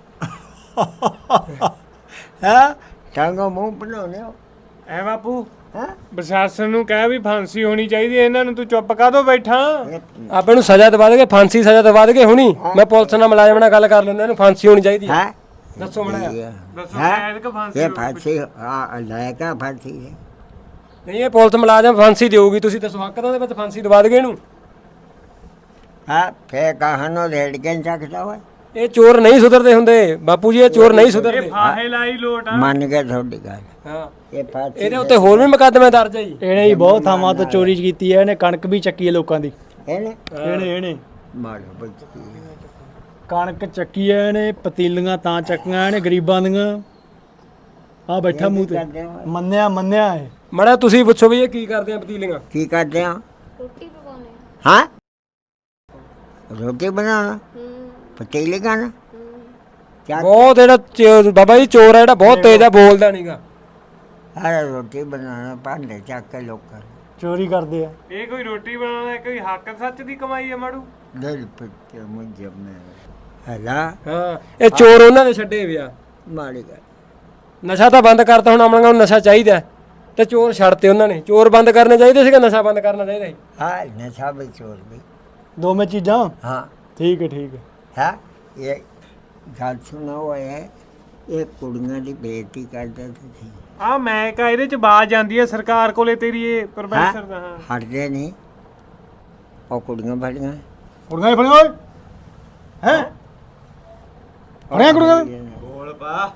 [SPEAKER 2] ਹੈ
[SPEAKER 3] ਟਾਂਗਾ ਮੂੰਹ ਬਣਾਉਣੇ ਹੋ
[SPEAKER 4] ਐ ਬਾਪੂ
[SPEAKER 3] ਹਾਂ
[SPEAKER 4] ਪ੍ਰਸ਼ਾਸਨ ਨੂੰ ਕਹਿ ਵੀ ਫਾਂਸੀ ਹੋਣੀ ਚਾਹੀਦੀ ਹੈ, ਇਹਨਾਂ ਨੂੰ ਤੂੰ ਚੁੱਪ ਕਾਹਤੋਂ ਬੈਠਾ
[SPEAKER 1] ਆਪਾਂ ਨੂੰ ਸਜ਼ਾ ਦਵਾ ਦੇਗੇ ਫਾਂਸੀ ਸਜ਼ਾ ਦਵਾ ਦੇਗੇ ਹੁਣੀ ਮੈਂ ਪੁਲਿਸ ਨਾਲ ਮੁਲਾਜ਼ਮ ਨਾਲ ਗੱਲ ਕਰ ਲੈਂਦਾ ਇਹਨੂੰ ਫਾਂਸੀ ਹੋਣੀ ਚਾਹੀਦੀ ਹੈ
[SPEAKER 3] ਹੈ
[SPEAKER 1] ਦੱਸੋ ਮੜਾ
[SPEAKER 4] ਦੱਸੋ
[SPEAKER 3] ਹੈਂ?
[SPEAKER 4] ਸ਼ਾਇਦ ਕਿ ਫਾਂਸੀ
[SPEAKER 3] ਇਹ
[SPEAKER 4] ਹੋਵੇ।
[SPEAKER 3] ਫਾਂਸੀ ਆ ਲੈ ਕੇ ਫਾਂਸੀ ਹੈ
[SPEAKER 1] ਨਹੀਂ ਇਹ ਪੁਲਿਸ ਮੁਲਾਜ਼ਮ ਫਾਂਸੀ ਦੇਊਗੀ ਤੁਸੀਂ ਦੱਸੋ ਹੱਕ ਦਾ ਦੇ ਵਿੱਚ ਫਾਂਸੀ ਦਵਾ ਦੇਗੇ ਇਹਨੂੰ
[SPEAKER 3] ਹਾਂ ਫੇ ਕਹਾਣੋ ਰੇਡ ਕੇ ਚੱਕਦਾ ਓਏ
[SPEAKER 1] ਇਹ ਚੋਰ ਨਹੀਂ ਸੁਧਰਦੇ ਹੁੰਦੇ ਬਾਪੂ ਜੀ ਇਹ ਚੋਰ ਨਹੀਂ
[SPEAKER 4] ਇਹ
[SPEAKER 1] ਸੁਧਰਦੇ
[SPEAKER 4] ਫਾਹੇ ਲਾਈ ਲੋਟ ਆ
[SPEAKER 3] ਮੰਨ ਗਏ ਤੁਹਾਡੀ ਗੱਲ
[SPEAKER 1] ਹਾਂ
[SPEAKER 3] ਇਹ ਫਾਂਸੀ
[SPEAKER 1] ਇਹਦੇ ਉੱਤੇ ਹੋਰ ਵੀ ਮੁਕੱਦਮੇ ਦਰਜ ਹੈ ਜੀ
[SPEAKER 2] ਇਹਨੇ ਹੀ ਬਹੁਤ ਥਾਵਾਂ ਤੋਂ ਚੋਰੀ ਕੀਤੀ ਹੈ ਇਹਨੇ ਕਣਕ ਵੀ ਚੱਕੀ ਹੈ ਲੋਕਾਂ ਦੀ
[SPEAKER 3] ਇਹਨੇ
[SPEAKER 2] ਇਹਨੇ
[SPEAKER 3] ਮਾਰੋ ਬੱਚੀ
[SPEAKER 2] ਕਣਕ ਚੱਕੀ ਹੈ ਇਹਨੇ ਪਤੀਲੀਆਂ ਤਾਂ ਚੱਕੀਆਂ ਇਹਨੇ ਗਰੀਬਾਂ ਦੀਆਂ ਆ ਬੈਠਾ ਮੂੰਹ ਤੇ
[SPEAKER 3] ਕਰਦੇ ਹੋ?
[SPEAKER 2] ਮੰਨਿਆ ਹੈ
[SPEAKER 1] ਮੜਾ ਤੁਸੀਂ ਪੁੱਛੋ ਵੀ ਇਹ ਕੀ ਕਰਦੇ ਆ ਪਤੀਲੀਆਂ
[SPEAKER 3] ਕੀ ਕਰਦੇ ਆ
[SPEAKER 5] ਰੋਟੀ ਪਕਾਉਣੇ
[SPEAKER 3] ਹਾਂ ਰੋਟੀ ਬਣਾਉਣਾ
[SPEAKER 5] ਹੂੰ
[SPEAKER 3] ਪਤੀਲੇ ਖਾਣਾ ਕਿਆ
[SPEAKER 1] ਬਹੁਤ ਜਿਹੜਾ ਬਾਬਾ ਜੀ ਚੋਰ ਹੈ ਜਿਹੜਾ ਬਹੁਤ ਤੇਜ਼ ਆ ਬੋਲਦਾ ਨਹੀਂਗਾ
[SPEAKER 3] ਅਰੇ ਰੋਟੀ ਬਣਾਉਣਾ ਭਾਂਡੇ ਚੱਕ ਕੇ ਲੋਕਾਂ
[SPEAKER 2] ਚੋਰੀ ਕਰਦੇ ਆ
[SPEAKER 4] ਇਹ ਕੋਈ ਰੋਟੀ ਬਣਾਉਣਾ ਕੋਈ ਹੱਕ ਸੱਚ ਦੀ ਕਮਾਈ ਹੈ ਮਾੜੂ
[SPEAKER 3] ਦਿਲ ਪਿੱਛੇ ਮੁੰਜੇ ਮੈਂ ਹਲਾ
[SPEAKER 1] ਹਾਂ ਇਹ ਚੋਰ ਉਹਨਾਂ ਨੇ ਛੱਡੇ ਵਿਆ
[SPEAKER 3] ਮਾੜੀ ਗੱਲ
[SPEAKER 1] ਨਸ਼ਾ ਤਾਂ ਬੰਦ ਕਰਤਾ ਹੁਣ ਆਮਣਾਂ ਨੂੰ ਨਸ਼ਾ ਚਾਹੀਦਾ ਹੈ, ਤੇ ਚੋਰ ਛੱਡਤੇ ਉਹਨਾਂ ਨੇ ਚੋਰ ਬੰਦ ਕਰਨੇ ਚਾਹੀਦੇ ਸੀਗੇ ਨਸ਼ਾ ਬੰਦ ਕਰਨਾ ਚਾਹੀਦਾ ਸੀ
[SPEAKER 3] ਹਾਂ ਨਸ਼ਾ ਵੀ ਚੋਰ ਵੀ
[SPEAKER 2] ਦੋਵੇਂ ਚੀਜ਼ਾਂ
[SPEAKER 3] ਹਾਂ
[SPEAKER 2] ਠੀਕ ਹੈ
[SPEAKER 3] ਹੈ ਇਹ ਗੱਲ ਸੁਣਾ ਹੋਇਆ ਇਹ ਕੁੜੀਆਂ ਦੀ ਬੇਇੱਜ਼ਤੀ ਕਰਦੇ ਤੁਸੀਂ
[SPEAKER 4] ਆ ਮੈਂ ਕਾ ਇਹਦੇ ਚ ਬਾਜ ਜਾਂਦੀ ਹੈ ਸਰਕਾਰ ਕੋਲੇ ਤੇਰੀ ਇਹ ਪ੍ਰੋਫੈਸਰ ਦਾ ਹਾਂ
[SPEAKER 3] ਹਟਦੇ ਨਹੀਂ ਉਹ ਕੁੜੀਆਂ ਬੜੀਆਂ
[SPEAKER 2] ਕੁੜੀਆਂ ਹੀ ਫੜੀਆਂ ਓਏ ਹੈ ਫੜੀਆਂ ਕੁੜੀਆਂ
[SPEAKER 3] ਬੋਲ ਪਾ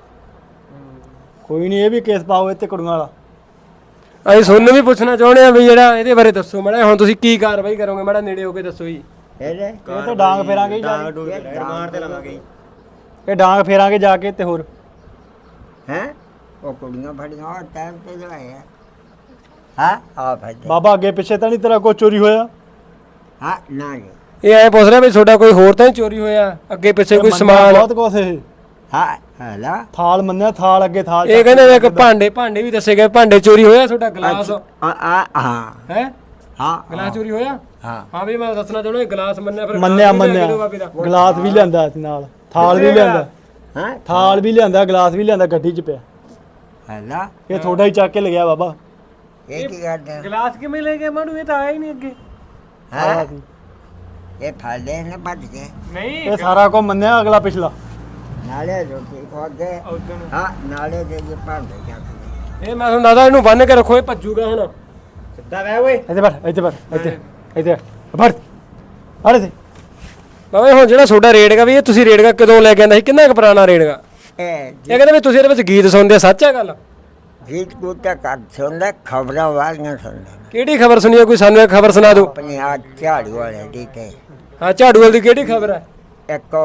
[SPEAKER 2] ਕੋਈ ਨਹੀਂ ਇਹ ਵੀ ਕੇਸ ਪਾਓ ਇੱਥੇ ਕੁੜੀਆਂ ਵਾਲਾ
[SPEAKER 1] ਅਸੀਂ ਤੁਹਾਨੂੰ ਵੀ ਪੁੱਛਣਾ ਚਾਹੁੰਦੇ ਆ ਵੀ ਜਿਹੜਾ ਇਹਦੇ ਬਾਰੇ ਦੱਸੋ ਮਾੜਾ ਜਿਹਾ, ਹੁਣ ਤੁਸੀਂ ਕੀ ਕਾਰਵਾਈ ਕਰੋਗੇ ਮਾੜਾ ਨੇੜੇ ਹੋ ਕੇ ਦੱਸੋ ਜੀ।
[SPEAKER 3] ਇਹਦੇ
[SPEAKER 2] ਇਹ ਤਾਂ ਡਾਂਗ ਫੇਰਾਂਗੇ ਜਾ ਕੇ
[SPEAKER 3] ਮਾਰ ਤੇ ਲਵਾਂਗੇ
[SPEAKER 2] ਇਹ ਡਾਂਗ ਫੇਰਾਂਗੇ ਜਾ ਕੇ ਤੇ ਹੋਰ
[SPEAKER 3] ਹੈ ਉਹ ਕੁੜੀਆਂ ਫੜੀਆਂ ਉਹ ਟਾਈਮ ਤੇ ਲਵਾਇਆ ਹਾਂ ਆ ਭਾਈ
[SPEAKER 2] ਬਾਬਾ ਅੱਗੇ ਪਿੱਛੇ ਤਾਂ ਨਹੀਂ ਤੇਰਾ ਕੋਈ ਚੋਰੀ ਹੋਇਆ
[SPEAKER 3] ਹਾਂ ਨਾ ਜੀ
[SPEAKER 1] ਇਹ ਐ ਪੁੱਛ ਰਿਹਾ ਵੀ ਤੁਹਾਡਾ ਕੋਈ ਹੋਰ ਤਾਂ ਨਹੀਂ ਚੋਰੀ ਹੋਇਆ, ਅੱਗੇ ਪਿੱਛੇ ਕੋਈ
[SPEAKER 2] ਮੰਨਿਆ
[SPEAKER 1] ਸਮਾਨ?
[SPEAKER 2] ਬਹੁਤ ਕੁਛ ਇਹ
[SPEAKER 3] ਹਾਂ ਹਲਾ
[SPEAKER 2] ਥਾਲ ਮੰਨਿਆ ਥਾਲ ਅੱਗੇ ਥਾਲ
[SPEAKER 1] ਇਹ ਕਹਿੰਦੇ ਨੇ ਕਿ ਭਾਂਡੇ ਵੀ ਦੱਸੇ ਗਏ, ਭਾਂਡੇ ਚੋਰੀ ਹੋਇਆ, ਤੁਹਾਡਾ ਗਲਾਸ
[SPEAKER 3] ਆ ਹਾਂ
[SPEAKER 1] ਹੈ
[SPEAKER 3] ਹਾਂ
[SPEAKER 1] ਗਲਾਸ ਚੋਰੀ ਹੋਇਆ?
[SPEAKER 3] ਹਾਂ
[SPEAKER 1] ਹਾਂ ਵੀ ਮੈਂ ਦੱਸਣਾ ਚਾਹੁੰਦਾ ਗਲਾਸ ਮੰਨਿਆ, ਫਿਰ
[SPEAKER 2] ਮੰਨਿਆ
[SPEAKER 1] ਗਲਾਸ ਵੀ ਲੈ ਕੇ
[SPEAKER 2] ਮੰਨਿਆ
[SPEAKER 1] ਦਿਓ ਬਾਬੇ ਦਾ।
[SPEAKER 2] ਗਲਾਸ ਵੀ ਲਿਆਂਦਾ ਸੀ ਨਾਲ ਥਾਲ ਵੀ ਲਿਆਂਦਾ
[SPEAKER 3] ਹਾਂ
[SPEAKER 2] ਥਾਲ ਵੀ ਲਿਆਂਦਾ ਗਲਾਸ ਵੀ ਲਿਆਂਦਾ ਗੱਡੀ 'ਚ ਪਿਆ
[SPEAKER 3] ਹਲਾ
[SPEAKER 2] ਇਹ ਥੋੜਾ ਹੀ ਚੱਕ ਕੇ ਲਗਿਆ ਬਾਬਾ
[SPEAKER 3] ਇਹ ਕੀ ਕਰਦਾ
[SPEAKER 4] ਗਲਾਸ ਕਿਵੇਂ ਲੈ ਗਏ ਮਾੜੂ, ਇਹ ਤਾਂ ਆਇਆ ਹੀ ਨਹੀਂ ਅੱਗੇ।
[SPEAKER 3] ਹਾਂ ਇਹ ਫਾਲੇ ਨੇ ਭੱਜ ਗਏ
[SPEAKER 4] ਨਹੀਂ
[SPEAKER 2] ਇਹ ਸਾਰਾ ਕੁਝ ਮੰਨਿਆ ਅਗਲਾ ਪਿਛਲਾ
[SPEAKER 3] ਨਾਲੇ ਰੋਟੀ ਖਾ ਗਏ ਹਾਂ ਨਾਲੇ ਦੇ ਜੇ ਭਾਂਡੇ ਜਾਂਦੇ
[SPEAKER 1] ਇਹ ਮੈਂ ਤੁਹਾਨੂੰ ਦੱਸਦਾ ਇਹਨੂੰ ਬੰਨ ਕੇ ਰੱਖੋ, ਇਹ ਭੱਜੂਗਾ ਹੁਣ।
[SPEAKER 3] ਸਿੱਧਾ ਬੈ ਓਏ
[SPEAKER 2] ਇੱਥੇ ਬੈਠ ਇੱਥੇ ਬੈਠ ਅਰੇ ਤੇ
[SPEAKER 1] ਬਾਬਾ ਹੁਣ ਜਿਹੜਾ ਤੁਹਾਡਾ ਰੇੜਗਾ ਵੀ ਇਹ ਤੁਸੀਂ ਰੇੜਗਾ ਕਦੋਂ ਲੈ ਕੇ ਆਂਦਾ ਸੀ, ਕਿੰਨਾ ਕੁ ਪੁਰਾਣਾ ਰੇੜਗਾ?
[SPEAKER 3] ਇਹ
[SPEAKER 1] ਇਹ ਕਹਿੰਦੇ ਵੀ ਤੁਸੀਂ ਇਹਦੇ ਵਿੱਚ ਗੀਤ ਸੁਣਦੇ ਆ, ਸੱਚ ਹੈ ਗੱਲ?
[SPEAKER 3] ਜੀਤ ਗੁੱਟਾ ਕਰ ਸੁਣਦਾ ਖਬਰਾਂ ਵਾਲੀਆਂ ਸੁਣਦਾ
[SPEAKER 1] ਕਿਹੜੀ ਖਬਰ ਸੁਣੀ ਹੈ, ਕੋਈ ਸਾਨੂੰ ਇੱਕ ਖਬਰ ਸੁਣਾ ਦਿਓ।
[SPEAKER 3] ਆਪਣੀ ਆ ਝਾੜੂ ਵਾਲੇ ਦੀ ਤੇ
[SPEAKER 1] ਹਾਂ ਝਾੜੂ ਵਾਲੀ ਦੀ ਕਿਹੜੀ ਖਬਰ ਹੈ?
[SPEAKER 3] ਇੱਕ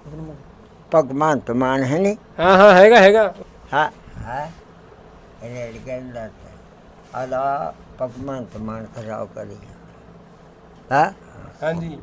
[SPEAKER 3] ਭਗਵੰਤ ਮਾਨ ਹੈ ਨਹੀਂ
[SPEAKER 1] ਹਾਂ ਹੈਗਾ
[SPEAKER 3] ਹਾਂ ਹਾਂ ਇਹ ਕਹਿੰਦਾ ਆਦਾ ਭਗਵੰਤ ਮਾਨ ਖਰਾਬ ਕਰੀ ਹਾਂ
[SPEAKER 1] ਹਾਂਜੀ।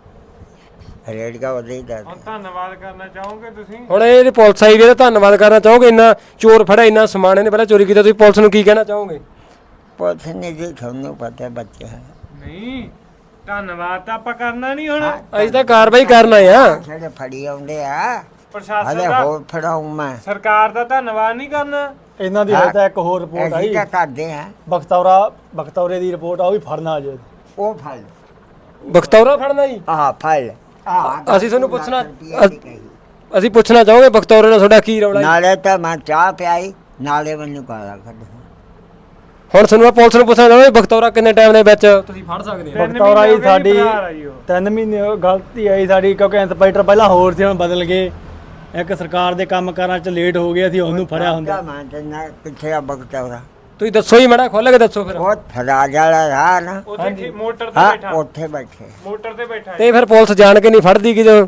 [SPEAKER 3] ਰੇੜਗਾ ਉਹਦੇ ਦਾ
[SPEAKER 4] ਹੁਣ ਧੰਨਵਾਦ ਕਰਨਾ ਚਾਹੋਗੇ ਤੁਸੀਂ?
[SPEAKER 1] ਹੁਣ ਇਹ ਪੁਲਿਸ ਆਈ ਵੀ ਇਹਦਾ ਧੰਨਵਾਦ ਕਰਨਾ ਚਾਹੋਗੇ, ਇੰਨਾ ਚੋਰ ਫੜਿਆ, ਇੰਨਾ ਸਮਾਨ ਇਹਨੇ ਪਹਿਲਾਂ ਚੋਰੀ ਕੀਤਾ, ਤੁਸੀਂ ਪੁਲਿਸ ਨੂੰ ਕੀ ਕਹਿਣਾ ਚਾਹੋਗੇ?
[SPEAKER 3] ਪੁਲਿਸ ਨੇ ਜੀ ਤੁਹਾਨੂੰ ਪਤਾ ਬੱਚੇ ਹੈ
[SPEAKER 4] ਨਹੀਂ ਧੰਨਵਾਦ ਤਾਂ ਆਪਾਂ ਕਰਨਾ ਨਹੀਂ ਹੁਣ,
[SPEAKER 1] ਅਸੀਂ ਤਾਂ ਕਾਰਵਾਈ ਕਰਨਾ ਆ।
[SPEAKER 3] ਜਿਹੜੇ ਫੜੀ ਆਉਂਦੇ ਆ
[SPEAKER 4] ਪ੍ਰਸ਼ਾਸਨ
[SPEAKER 3] ਹਲੇ
[SPEAKER 4] ਦਾ
[SPEAKER 3] ਹੋਰ ਫੜਾਉਂ ਮੈਂ
[SPEAKER 4] ਸਰਕਾਰ ਦਾ ਧੰਨਵਾਦ ਨਹੀਂ ਕਰਨਾ।
[SPEAKER 2] ਇਹਨਾਂ ਦੀ ਤਾਂ ਇੱਕ ਹੋਰ ਰਿਪੋਰਟ ਆਈ
[SPEAKER 3] ਅਸੀਂ ਤਾਂ ਕਰਦੇ ਆ
[SPEAKER 2] ਬਖਤੌਰੇ ਦੀ ਰਿਪੋਰਟ ਆ ਉਹ ਵੀ ਫੜਨਾ ਅਜੇ
[SPEAKER 3] ਉਹ ਫੜ
[SPEAKER 1] ਬਖਤੌਰਾ ਫੜਨਾ ਜੀ?
[SPEAKER 3] ਆਹ ਫੜ
[SPEAKER 1] ਅਸੀਂ ਤੁਹਾਨੂੰ ਅਸੀਂ ਪੁੱਛਣਾ ਚਾਹੋਗੇ ਬਖਤੌਰੇ ਨਾਲ ਤੁਹਾਡਾ ਕੀ ਰੌਲਾ ਜੀ?
[SPEAKER 3] ਨਾਲੇ ਤਾਂ ਮੈਂ ਚਾਹ ਪਿਆਈ ਨਾਲੇ ਮੈਨੂੰ ਗਾਲਾਂ ਕੱਢ
[SPEAKER 1] ਹੁਣ ਤੁਹਾਨੂੰ ਮੈਂ ਪੁਲਿਸ ਨੂੰ ਪੁੱਛਣਾ ਚਾਹੋਗੇ ਬਖਤੌਰਾ ਕਿੰਨੇ ਟਾਈਮ ਦੇ ਵਿੱਚ ਤੁਸੀਂ ਫੜ ਸਕਦੇ ਹੋ?
[SPEAKER 2] ਬਖਤੌਰਾ ਹੀ ਸਾਡੀ
[SPEAKER 4] ਭਰਾ ਜੀ ਉਹ।
[SPEAKER 2] 3 ਮਹੀਨੇ ਗਲਤੀ ਆਈ ਸਾਡੀ ਕਿਉਂਕਿ ਇੰਸਪੈਕਟਰ ਪਹਿਲਾਂ ਹੋਰ ਸੀ ਹੁਣ ਬਦਲ ਗਏ ਇੱਕ ਸਰਕਾਰ ਦੇ ਕੰਮ ਕਾਰਾਂ 'ਚ ਲੇਟ ਹੋ ਗਿਆ ਸੀ ਉਹਨੂੰ ਫੜਿਆ ਹੁੰਦਾ
[SPEAKER 3] ਮੈਂ ਤੇ ਨਾ ਕਿੱਥੇ ਆ ਬਗਤੌਰਾ
[SPEAKER 1] ਤੁਸੀਂ ਦੱਸੋ ਹੀ ਮਾੜਾ ਖੋਲ ਕੇ ਦੱਸੋ ਫਿਰ।
[SPEAKER 3] ਉਹ ਫਰਾਜ ਵਾਲਾ ਰਾਹ ਨਾ
[SPEAKER 4] ਉੱਥੇ ਮੋਟਰ ਤੇ
[SPEAKER 3] ਹਾਂ
[SPEAKER 4] ਬੈਠਾ,
[SPEAKER 3] ਉੱਥੇ ਬੈਠੇ
[SPEAKER 4] ਮੋਟਰ ਤੇ ਬੈਠਾ
[SPEAKER 1] ਤੇ ਫਿਰ ਪੁਲਿਸ ਜਾਣ ਕੇ ਨਹੀਂ ਫੜਦੀ ਕਿਦੋਂ?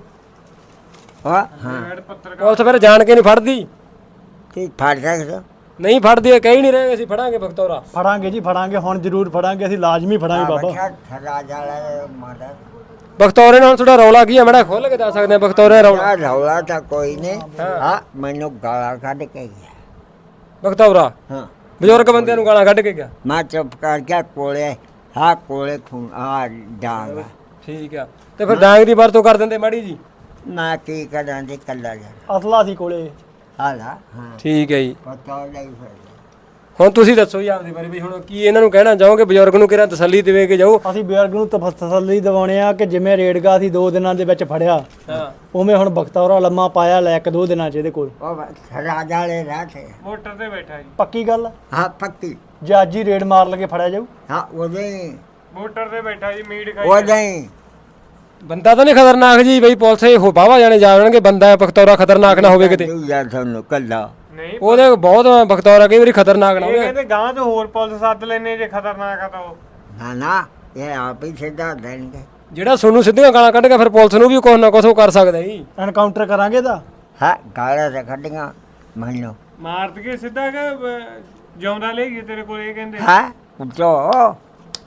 [SPEAKER 3] ਹਾਂ
[SPEAKER 4] ਹੈਡ ਪੱਤਰਕਾਰ
[SPEAKER 1] ਪੁਲਿਸ ਫਿਰ ਜਾਣ ਕੇ ਨਹੀਂ ਫੜਦੀ?
[SPEAKER 3] ਕੀ ਫੜ ਸਕਦੇ ਹੋ?
[SPEAKER 1] ਨਹੀਂ ਫੜਦੀ ਹੈ, ਕਹਿ ਹੀ ਨਹੀਂ ਰਹੇ ਅਸੀਂ ਫੜਾਂਗੇ ਬਖਤੌਰਾ।
[SPEAKER 2] ਫੜਾਂਗੇ ਜੀ ਫੜਾਂਗੇ ਹੁਣ ਜ਼ਰੂਰ ਫੜਾਂਗੇ ਅਸੀਂ ਲਾਜ਼ਮੀ ਫੜਾਂਗੇ ਬਾਬਾ
[SPEAKER 3] ਫਰਾਜ ਵਾਲਾ ਮਾਦਾ
[SPEAKER 1] ਬਖਤੌਰੇ ਨਾਲ ਤੁਹਾਡਾ ਰੌਲਾ ਕੀ ਹੈ ਮਾੜਾ ਖੋਲ ਕੇ ਦੱਸ ਸਕਦੇ ਆ ਬਖਤੌਰੇ ਦਾ ਰੌਲਾ?
[SPEAKER 3] ਰੌਲਾ ਤਾਂ ਕੋਈ ਨਹੀਂ ਹਾਂ ਮੈਨੂੰ ਗਾਲਾਂ ਕੱਢ ਕੇ ਗਿਆ
[SPEAKER 1] ਬਖਤੌਰਾ
[SPEAKER 3] ਹਾਂ
[SPEAKER 1] ਬਜ਼ੁਰਗ ਬੰਦਿਆਂ ਨੂੰ ਗਾਲਾਂ ਕੱਢ ਕੇ ਗਿਆ?
[SPEAKER 3] ਮੈਂ ਚੁੱਪ ਕਰ ਗਿਆ ਕੋਲੇ ਹਾਂ ਕੋਲੇ ਖੂਨ ਆ ਡਾਂਗ
[SPEAKER 1] ਠੀਕ ਆ, ਤੇ ਫਿਰ ਡਾਂਗ ਦੀ ਵਰਤੋਂ ਕਰ ਦਿੰਦੇ ਮਾੜੀ ਜੀ?
[SPEAKER 3] ਮੈਂ ਕੀ ਕਰਾਂ ਜੀ ਕੱਲਾ ਜਾ
[SPEAKER 2] ਅਸਲਾ ਸੀ ਕੋਲੇ
[SPEAKER 3] ਹਾਲਾ ਹਾਂ
[SPEAKER 1] ਠੀਕ ਹੈ ਜੀ।
[SPEAKER 3] ਪਤਾ ਨਹੀਂ ਫਿਰ
[SPEAKER 1] ਹੁਣ ਤੁਸੀਂ ਦੱਸੋ ਜੀ ਆਪਦੇ ਬਾਰੇ ਵੀ ਹੁਣ ਕੀ ਇਹਨਾਂ ਨੂੰ ਕਹਿਣਾ ਚਾਹੋਗੇ, ਬਜ਼ੁਰਗ ਨੂੰ ਕਿਹੜਾ ਤਸੱਲੀ ਦੇਵੇ ਕੇ ਜਾਓ?
[SPEAKER 2] ਅਸੀਂ ਬਜ਼ੁਰਗ ਨੂੰ ਤਸੱਲੀ ਦਿਵਾਉਣੇ ਆ ਕਿ ਜਿਵੇਂ ਰੇੜਗਾ ਸੀ 2 ਦਿਨਾਂ ਦੇ ਵਿੱਚ ਫੜਿਆ
[SPEAKER 1] ਹਾਂ
[SPEAKER 2] ਉਵੇਂ ਹੁਣ ਬਖਤੌਰਾ ਲੰਮਾ ਪਾਇਆ ਲੈ 1-2 ਦਿਨਾਂ 'ਚ ਇਹਦੇ ਕੋਲ
[SPEAKER 3] ਉਹ ਫਰਾਜ ਵਾਲੇ ਰਾਹ ਤੇ
[SPEAKER 4] ਮੋਟਰ ਤੇ ਬੈਠਾ ਜੀ,
[SPEAKER 2] ਪੱਕੀ ਗੱਲ ਆ?
[SPEAKER 3] ਹਾਂ ਪੱਕੀ
[SPEAKER 2] ਜੇ ਅੱਜ ਹੀ ਰੇਡ ਮਾਰ ਲਗੇ ਫੜਿਆ ਜਾਊ
[SPEAKER 3] ਹਾਂ ਉਹਦੇ
[SPEAKER 4] ਮੋਟਰ ਤੇ ਬੈਠਾ ਜੀ, ਮੀਟ ਖਾਈ
[SPEAKER 3] ਉਹਦੇ
[SPEAKER 1] ਬੰਦਾ ਤਾਂ ਨਹੀਂ ਖਤਰਨਾਕ ਜੀ ਬਈ ਪੁਲਿਸ ਇਹ ਬਾਵਾ ਜਾਣੇ ਜਾਣਗੇ ਬੰਦਾ ਬਖਤੌਰਾ ਖਤਰਨਾਕ ਨਾ ਹੋਵੇ ਕਿਤੇ?
[SPEAKER 3] ਯਾਰ ਤੁਹਾਨੂੰ ਕੱਲਾ
[SPEAKER 4] ਨਹੀਂ।
[SPEAKER 1] ਉਹਦੇ ਬਹੁਤ ਬਖਤੌਰਾ ਕਈ ਵਾਰੀ ਖਤਰਨਾਕ ਨਾ
[SPEAKER 4] ਇਹ
[SPEAKER 1] ਹੋਵੇ।
[SPEAKER 4] ਕਹਿੰਦੇ ਗਾਂ ਤੋਂ ਹੋਰ ਪੁਲਿਸ ਸੱਦ ਲੈਨੇ ਜੇ ਖਤਰਨਾਕ ਆ ਤਾਂ ਉਹ।
[SPEAKER 3] ਨਾ ਨਾ ਇਹ ਆਪ ਹੀ ਸਿੱਧਾ ਦੇਣਗੇ
[SPEAKER 1] ਜਿਹੜਾ ਸੋਨੂੰ ਸਿੱਧੀਆਂ ਗਾਲਾਂ ਕੱਢ ਕੇ ਫਿਰ ਪੁਲਿਸ ਨੂੰ ਵੀ ਕੁਛ ਨਾ ਕੁਛ ਉਹ ਕਰ ਸਕਦਾ ਜੀ।
[SPEAKER 2] ਐਨਕਾਊਂਟਰ ਕਰਾਂਗੇ ਤਾਂ
[SPEAKER 3] ਹਾਂ ਗਾਲਾਂ ਤੇ ਕੱਢੀਆਂ ਮੈਨੂੰ
[SPEAKER 4] ਮਾਰ ਦਈਏ ਸਿੱਧਾ ਕਿ ਜਿਉਂਦਾ ਲੈ ਗਏ ਤੇਰੇ ਕੋਲ, ਇਹ ਕਹਿੰਦੇ।
[SPEAKER 3] ਹਾਂ ਉੱਚੋ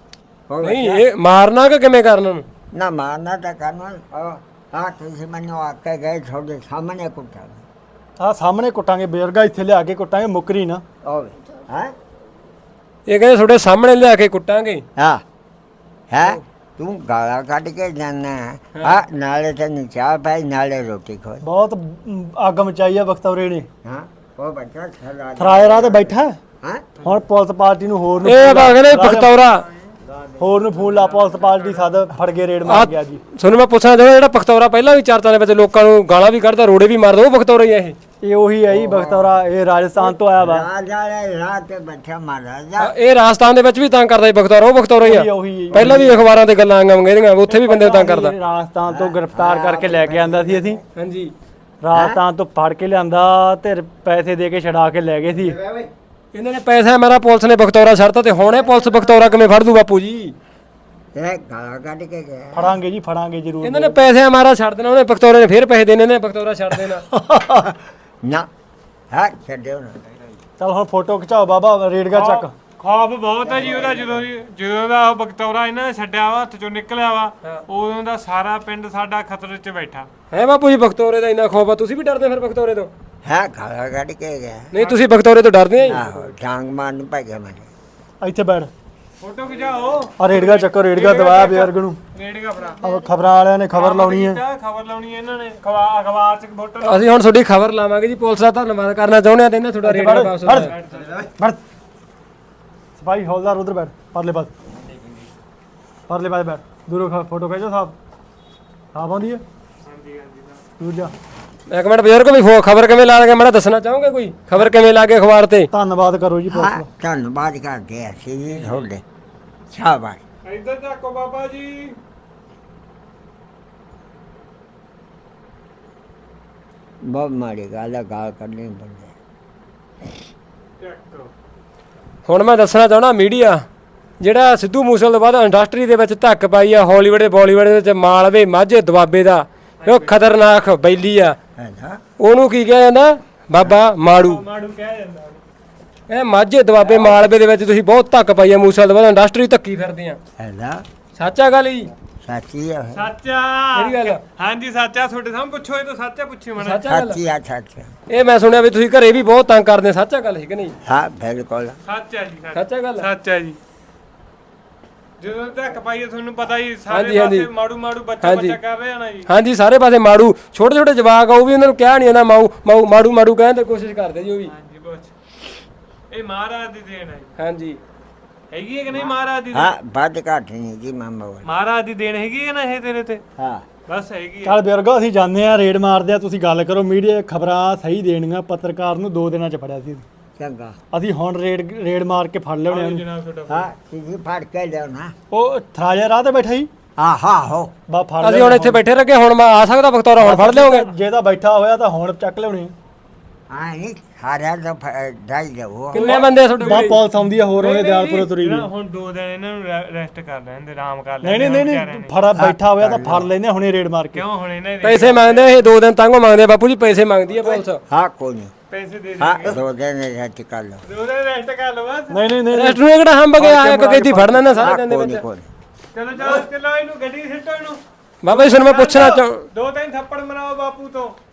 [SPEAKER 1] ਨਹੀਂ ਇਹ ਮਾਰਨਾ ਕਿ ਕਿਵੇਂ ਕਰਨਾ ਨੂੰ?
[SPEAKER 3] ਨਾ ਮਾਰਨਾ ਤਾਂ ਕਰਨਾ ਹਾਂ ਤੁਸੀਂ ਮੈਨੂੰ ਆ ਕੇ ਗਏ ਤੁਹਾਡੇ ਸਾਹਮਣੇ ਕੁੱਟਾ
[SPEAKER 2] ਆਹ ਸਾਹਮਣੇ ਕੁੱਟਾਂਗੇ ਬਜ਼ੁਰਗਾ ਇੱਥੇ ਲਿਆ ਕੇ ਕੁੱਟਾਂਗੇ ਮੁੱਕਰੀ ਨਾ
[SPEAKER 3] ਹੋਵੇ ਹਾਂ
[SPEAKER 1] ਇਹ ਕਹਿੰਦੇ ਤੁਹਾਡੇ ਸਾਹਮਣੇ ਲਿਆ ਕੇ ਕੁੱਟਾਂਗੇ।
[SPEAKER 3] ਹਾਂ ਹੈ ਤੂੰ ਗਾਲਾਂ ਕੱਢ ਕੇ ਜਾਣਾ ਹਾਂ ਨਾਲੇ ਤੈਨੂੰ ਚਾਹ ਪਾਈ ਨਾਲੇ ਰੋਟੀ ਖਵਾਈ
[SPEAKER 2] ਬਹੁਤ ਅੱਗ ਮਚਾਈ ਆ ਬਖਤੌਰੇ ਨੇ
[SPEAKER 3] ਹਾਂ ਉਹ ਬੱਚਾ
[SPEAKER 2] ਥਰਾਏ ਰਾਹ ਤੇ ਬੈਠਾ
[SPEAKER 3] ਹਾਂ
[SPEAKER 2] ਹੁਣ ਪੁਲਿਸ ਪਾਰਟੀ ਨੂੰ ਹੋਰ ਨੂੰ
[SPEAKER 1] ਇਹ ਕਹਿੰਦੇ ਬਖਤੌਰਾ
[SPEAKER 2] ਹੋਰ ਨੂੰ ਫੋਨ ਲਾ ਪੁਲਿਸ ਪਾਰਟੀ ਸੱਦ ਫੜ ਕੇ ਰੇਡ ਮਾਰ ਗਿਆ ਜੀ।
[SPEAKER 1] ਤੁਹਾਨੂੰ ਮੈਂ ਪੁੱਛਣਾ ਚਾਹੁੰਦਾ ਜਿਹੜਾ ਬਖਤੌਰਾ ਪਹਿਲਾਂ ਵੀ ਚਰਚਾ ਦੇ ਵਿੱਚ ਲੋਕਾਂ ਨੂੰ ਗਾਲਾਂ ਵੀ ਕੱਢਦਾ ਰੋੜੇ ਵੀ ਮਾਰਦਾ ਉਹ ਬਖਤੌਰਾ ਹੀ ਆ ਇਹ?
[SPEAKER 2] ਇਹ ਉਹੀ ਹੈ ਜੀ ਬਖਤੌਰਾ, ਇਹ ਰਾਜਸਥਾਨ ਤੋਂ ਆਇਆ ਵਾ।
[SPEAKER 3] ਰਾਜਾ ਰਾਤ ਤੇ ਬੈਠਾ ਮਹਾਰਾਜਾ
[SPEAKER 1] ਇਹ ਰਾਜਸਥਾਨ ਦੇ ਵਿੱਚ ਵੀ ਤੰਗ ਕਰਦਾ ਜੀ ਬਖਤੌਰਾ, ਉਹ ਬਖਤੌਰਾ ਹੀ ਆ?
[SPEAKER 2] ਉਹੀ
[SPEAKER 1] ਪਹਿਲਾਂ ਵੀ ਅਖਬਾਰਾਂ ਤੇ ਗੱਲਾਂ ਆਈਆਂ ਮੰਗਦੀਆਂ ਉੱਥੇ ਵੀ ਬੰਦੇ ਤੰਗ ਕਰਦਾ।
[SPEAKER 2] ਰਾਜਸਥਾਨ ਤੋਂ ਗ੍ਰਿਫਤਾਰ ਕਰਕੇ ਲੈ ਕੇ ਆਂਦਾ ਸੀ ਅਸੀਂ,
[SPEAKER 1] ਹਾਂਜੀ
[SPEAKER 2] ਰਾਜਸਥਾਨ ਤੋਂ ਫੜ ਕੇ ਲਿਆਂਦਾ ਤੇ ਪੈਸੇ ਦੇ ਕੇ ਛਡਾ ਕੇ ਲੈ ਗਏ ਸੀ।
[SPEAKER 1] ਇਹਨਾਂ ਨੇ ਪੈਸਾ ਮੇਰਾ ਪੁਲਿਸ ਨੇ ਬਖਤੌਰਾ ਛੱਡਤਾ ਤੇ ਹੁਣ ਇਹ ਪੁਲਿਸ ਬਖਤੌਰਾ ਕਿਵੇਂ ਫੜ ਦੂ ਬਾਪੂ ਜੀ?
[SPEAKER 3] ਇਹ ਗਾਲਾਂ ਕੱਢ ਕੇ ਗਿਆ
[SPEAKER 2] ਫੜਾਂਗੇ ਜੀ, ਫੜਾਂਗੇ ਜ਼ਰੂਰ।
[SPEAKER 1] ਇਹਨਾਂ ਨੇ ਪੈਸੇ ਮਾਰਾ ਛੱਡ ਦੇਣਾ, ਉਹਨੇ ਬਖਤੌਰੇ ਨੇ ਫਿਰ ਪੈਸੇ ਦੇਣੇ ਨੇ, ਬਖਤੌਰਾ ਛੱਡ ਦੇਣਾ।
[SPEAKER 3] ਨਾ ਹਾਂ ਛੱਡਿਓ ਨਾ
[SPEAKER 2] ਚਲ ਹੁਣ ਫੋਟੋ ਖਿਚਾਓ ਬਾਬਾ, ਰੇਡਗਾ ਚੱਕ।
[SPEAKER 4] ਖੌਫ ਬਹੁਤ ਹੈ ਜੀ ਉਹਦਾ, ਜਦੋਂ ਦਾ ਉਹ ਬਖਤੌਰਾ ਇਹਨਾਂ ਨੇ ਛੱਡਿਆ ਵਾ ਹੱਥ ਚੋਂ ਨਿਕਲਿਆ ਵਾ ਉਦੋਂ ਦਾ ਸਾਰਾ ਪਿੰਡ ਸਾਡਾ ਖਤਰੇ 'ਚ ਬੈਠਾ।
[SPEAKER 1] ਹੈ ਬਾਪੂ ਜੀ ਬਖਤੌਰੇ ਦਾ ਇੰਨਾ ਖੌਫ ਆ, ਤੁਸੀਂ ਵੀ ਡਰਦੇ ਫਿਰ ਬਖਤੌਰੇ ਤੋਂ?
[SPEAKER 3] ਹੈ ਗਾਲਾਂ ਕੱਢ ਕੇ ਗਿਆ
[SPEAKER 1] ਨਹੀਂ ਤੁਸੀਂ ਬਖਤੌਰੇ ਤੋਂ ਡਰਦੇ ਆ ਜੀ?
[SPEAKER 3] ਆਹੋ ਡਾਂਗ ਮਾਰਨ ਪੈ ਗਿਆ ਮੈਨੂੰ।
[SPEAKER 2] ਇੱਥੇ ਬੈਠ,
[SPEAKER 4] ਫੋਟੋ ਖਿਚਾਓ,
[SPEAKER 2] ਆ ਰੇਡਗਾ ਚੱਕੋ, ਰੇਡਗਾ ਦਵਾਇਆ ਬਜ਼ੁਰਗ ਨੂੰ।
[SPEAKER 4] ਰੇੜੀਗਾ ਭਰਾ
[SPEAKER 2] ਆ ਖਬਰਾਂ ਵਾਲਿਆਂ ਨੇ ਖਬਰ ਲਾਉਣੀ ਹੈ।
[SPEAKER 4] ਖਬਰ ਲਾਉਣੀ ਹੈ ਇਹਨਾਂ ਨੇ, ਅਖਬਾਰ 'ਚ ਫੋਟੋ
[SPEAKER 1] ਅਸੀਂ ਹੁਣ ਤੁਹਾਡੀ ਖਬਰ ਲਾਵਾਂਗੇ ਜੀ, ਪੁਲਿਸ ਦਾ ਧੰਨਵਾਦ ਕਰਨਾ ਚਾਹੁੰਦੇ ਆ ਤੇ ਇਹਨਾਂ ਤੁਹਾਡਾ ਰੇਡੀਓ ਵਾਪਸ ਹੋ ਜਾਊਗਾ।
[SPEAKER 2] ਬੈਠ ਸਿਪਾਹੀ ਹੌਲਦਾਰ ਉਧਰ ਬੈਠ, ਪਰਲੇ ਪਾਸ, ਪਰਲੇ ਪਾਸ ਬੈਠ। ਦੂਰੋਂ ਫੋਟੋ ਖਿਚੋ ਸਾਹਿਬ, ਸਾਫ ਆਉਂਦੀ ਹੈ? ਦੂਰ ਜਾ।
[SPEAKER 1] ਇੱਕ ਮਿੰਟ ਬਜ਼ੁਰਗ ਵੀ ਖਬਰ ਕਿਵੇਂ ਲਾ ਲਗੇ ਮੈਂ ਦੱਸਣਾ ਚਾਹੋਗੇ ਕੋਈ ਖਬਰ ਕਿਵੇਂ ਲਾ ਕੇ ਅਖਬਾਰ ਤੇ?
[SPEAKER 2] ਧੰਨਵਾਦ ਕਰੋ ਜੀ ਪੁਲਿਸ
[SPEAKER 3] ਹਾਂ
[SPEAKER 2] ਦਾ।
[SPEAKER 3] ਧੰਨਵਾਦ ਕਰਦੇ ਆ ਸੀ ਤੁਹਾਡੇ, ਸ਼ਾਬਾਸ਼।
[SPEAKER 4] ਇੱਧਰ ਝਾਕੋ ਬਾਬਾ ਜੀ।
[SPEAKER 3] ਬਹੁਤ ਮਾੜੀ ਗੱਲ ਆ, ਗਾਲ ਕੱਢਣੀ ਬੰਦੇ।
[SPEAKER 4] ਚੱਕੋ
[SPEAKER 1] ਹੁਣ ਮੈਂ ਦੱਸਣਾ ਚਾਹੁੰਦਾ ਮੀਡੀਆ ਜਿਹੜਾ ਸਿੱਧੂ ਮੂਸੇਵਾਲੇ ਤੋਂ ਬਾਅਦ ਇੰਡਸਟਰੀ ਦੇ ਵਿੱਚ ਧੱਕ ਪਾਈ ਆ, ਹਾਲੀਵੁੱਡ ਤੇ ਬਾਲੀਵੁੱਡ ਦੇ ਵਿੱਚ ਮਾਲਵੇ ਮਾਝੇ ਦੁਆਬੇ ਦਾ ਉਹ ਖਤਰਨਾਕ ਬੈਲੀ ਆ,
[SPEAKER 3] ਹੈ ਨਾ
[SPEAKER 1] ਉਹਨੂੰ ਕੀ ਕਿਹਾ ਜਾਂਦਾ? ਬਾਬਾ ਮਾੜੂ।
[SPEAKER 4] ਮਾੜੂ ਕਿਹਾ ਜਾਂਦਾ।
[SPEAKER 1] ਇਹ ਮਾਝੇ ਦੁਆਬੇ ਮਾਲਵੇ ਦੇ ਵਿੱਚ ਤੁਸੀਂ ਬਹੁਤ ਧੱਕ ਪਾਈ ਆ ਮੂਸੇਵਾਲੇ ਤੋਂ ਬਾਅਦ ਇੰਡਸਟਰੀ ਧੱਕੀ ਫਿਰਦੇ ਆ,
[SPEAKER 3] ਹੈ ਨਾ
[SPEAKER 1] ਸੱਚਾ ਗੱਲ ਜੀ?
[SPEAKER 3] ਸੱਚੀ ਆ
[SPEAKER 4] ਸੱਚਾ
[SPEAKER 1] ਕਿਹੜੀ ਗੱਲ?
[SPEAKER 4] ਹਾਂਜੀ ਸੱਚਾ, ਤੁਹਾਡੇ ਸਾਹਮਣੇ ਪੁੱਛੋ, ਇਹ ਤਾਂ ਸੱਚਾ ਪੁੱਛੀ ਮਣਾ।
[SPEAKER 1] ਸੱਚਾ ਗੱਲ?
[SPEAKER 3] ਸੱਚੀ ਆ ਸੱਚ।
[SPEAKER 1] ਇਹ ਮੈਂ ਸੁਣਿਆ ਵੀ ਤੁਸੀਂ ਘਰੇ ਵੀ ਬਹੁਤ ਤੰਗ ਕਰਦੇ, ਸੱਚਾ ਗੱਲ ਹੈ ਕਿ ਨਹੀਂ?
[SPEAKER 3] ਹਾਂ ਬਿਲਕੁਲ
[SPEAKER 4] ਸੱਚਾ ਜੀ,
[SPEAKER 1] ਸੱਚਾ ਗੱਲ?
[SPEAKER 4] ਸੱਚਾ ਜੀ। ਜਦੋਂ ਤੱਕ ਪਾਈਏ ਤੁਹਾਨੂੰ ਪਤਾ ਹੀ
[SPEAKER 1] ਹਾਂਜੀ,
[SPEAKER 4] ਸਾਰੇ
[SPEAKER 1] ਹਾਂਜੀ।
[SPEAKER 4] ਪਾਸੇ ਮਾੜੂ ਮਾੜੂ ਬੱਚਾ
[SPEAKER 1] ਹਾਂਜੀ।
[SPEAKER 4] ਬੱਚਾ ਕਰ ਰਿਹਾ ਨਾ ਜੀ।
[SPEAKER 1] ਹਾਂਜੀ ਸਾਰੇ ਪਾਸੇ ਮਾੜੂ, ਛੋਟੇ ਛੋਟੇ ਜਵਾਕ ਆ ਉਹ ਵੀ ਉਹਨਾਂ ਨੂੰ ਕਿਹਾ ਨਹੀਂ ਜਾਂਦਾ, ਮਾਊ ਮਾਊ ਮਾੜੂ ਮਾੜੂ ਕਹਿਣ ਦੀ ਕੋਸ਼ਿਸ਼ ਕਰਦੇ ਜੀ ਉਹ ਵੀ।
[SPEAKER 4] ਹਾਂਜੀ ਬਸ ਇਹ ਮਹਾਰਾਜ ਦੀ ਦੇਣ ਹੈ ਜੀ।
[SPEAKER 1] ਹਾਂਜੀ
[SPEAKER 4] ਹੈਗੀ ਹੈ ਕਿ ਨਹੀਂ ਮਹਾਰਾਜ ਦੀ
[SPEAKER 3] ਹਾਂ
[SPEAKER 4] ਦੇਣ?
[SPEAKER 3] ਵੱਧ ਘੱਟ ਨਹੀਂ ਜੀ ਮਾਮਾ ਵਾਲਾ।
[SPEAKER 4] ਮਹਾਰਾਜ ਦੀ ਦੇਣ ਹੈਗੀ ਹੈ ਨਾ ਇਹ ਤੇਰੇ ਤੇ?
[SPEAKER 3] ਹਾਂ
[SPEAKER 4] ਬਸ ਹੈਗੀ ਹੈ।
[SPEAKER 2] ਚੱਲ ਬਜ਼ੁਰਗੋ ਅਸੀਂ ਜਾਂਦੇ ਆ, ਰੇਡ ਮਾਰਦੇ ਆ, ਤੁਸੀਂ ਗੱਲ ਕਰੋ। ਮੀਡੀਆ ਖਬਰਾਂ ਸਹੀ ਦੇਣੀਆਂ, ਪੱਤਰਕਾਰ ਨੂੰ 2 ਦਿਨਾਂ ਚ ਫੜਿਆ ਸੀ
[SPEAKER 3] ਚੰਗਾ।
[SPEAKER 2] ਅਸੀਂ। ਹੁਣ ਰੇਡ ਮਾਰ ਕੇ ਫੜ ਲਿਆਉਣੇ ਉਹਨੂੰ।
[SPEAKER 4] ਜਨਾਬ ਤੁਹਾਡਾ
[SPEAKER 3] ਹਾਂ ਤੁਸੀਂ ਫੜ ਕੇ ਲਿਓ ਨਾ।
[SPEAKER 2] ਉਹ ਥਰਾਜਾ ਰਾਹ ਤੇ ਬੈਠਾ ਸੀ,
[SPEAKER 3] ਆਹੋ
[SPEAKER 2] ਬਾ ਫੜ
[SPEAKER 1] ਅਸੀਂ ਹੁਣ ਇੱਥੇ ਬੈਠੇ ਰੱਖੇ, ਹੁਣ ਮੈਂ ਆ ਸਕਦਾ ਬਖਤੌਰਾ, ਹੁਣ ਫੜ ਲਿਆਓਗੇ?
[SPEAKER 2] ਜੇ ਤਾਂ ਬੈਠਾ ਹੋਇਆ ਤਾਂ ਹੁਣ ਚੱਕ ਲਿਆਉਣੇ।
[SPEAKER 3] ਹਾਂ ਨਹੀਂ ਸਾਰਿਆਂ ਦਾ ਦਾਈ ਜਾਓ।
[SPEAKER 1] ਕਿੰਨੇ ਬੰਦੇ ਆ ਤੁਹਾਡੇ
[SPEAKER 2] ਬਾ
[SPEAKER 1] ਕੋਲ?
[SPEAKER 2] ਪੁਲਿਸ ਆਉਂਦੀ ਆ ਹੋਰ, ਉਹਨੇ ਦਿਆਲਪੁਰੇ ਤੁਰੀ ਵੀ।
[SPEAKER 4] ਹੁਣ 2 ਦਿਨ ਇਹਨਾਂ ਨੂੰ ਰੈਸਟ ਕਰ ਲੈਂਦੇ, ਆਰਾਮ ਕਰ
[SPEAKER 2] ਨਹੀਂ
[SPEAKER 4] ਲੈਂਦੇ।
[SPEAKER 2] ਨਹੀਂ ਨਹੀਂ ਫੜਾ ਬੈਠਾ ਹੋਇਆ ਤਾਂ ਫੜ ਲੈਨੇ ਹੁਣੇ ਰੇਡ ਮਾਰ ਕੇ।
[SPEAKER 4] ਕਿਉਂ ਹੁਣ ਇਹਨਾਂ ਦੇ
[SPEAKER 1] ਪੈਸੇ ਮੰਗਦੇ ਆ ਇਹ, 2 ਦਿਨ ਤੰਗੋਂ ਮੰਗਦੇ ਆ ਬਾਪੂ ਜੀ, ਪੈਸੇ ਮੰਗਦੀ ਆ ਪੁਲਿਸ।
[SPEAKER 3] ਹਾਂ ਕੋਈ ਨਹੀਂ।
[SPEAKER 4] ਪੈਸੇ ਦੇ
[SPEAKER 3] ਹਾਂ
[SPEAKER 4] ਦੇਣਗੇ।
[SPEAKER 3] 2 ਦਿਨ ਰੈਸਟ ਕਰ ਲਓ।
[SPEAKER 4] 2 ਦਿਨ ਰੈਸਟ ਕਰ ਲਓ ਬਸ।
[SPEAKER 2] ਨਹੀਂ ਨਹੀਂ ਨਹੀਂ
[SPEAKER 1] ਰੈਸਟ ਨੂੰ ਇਹ ਕਿਹੜਾ ਹੰਬ ਗਿਆ, ਇੱਕ ਕਿੱਥੇ ਫੜਨਾ ਨਾ ਸਾਰੇ ਦਿਨ ਦੇ
[SPEAKER 3] ਕੋਈ
[SPEAKER 1] ਵਿੱਚ।
[SPEAKER 3] ਨਹੀਂ ਕੋਈ
[SPEAKER 4] ਚਲੋ ਚਲੋ ਚਲੋ ਇਹਨੂੰ ਗੱਡੀ ਸਿੱਟੋ ਇਹਨੂੰ।
[SPEAKER 1] ਬਾਬਾ ਜੀ ਤੁਹਾਨੂੰ ਮੈਂ ਪੁੱਛਣਾ ਚਾਹ
[SPEAKER 4] 2-3 ਥੱਪੜ ਮਰਾਓ ਬਾਪੂ ਤੋਂ।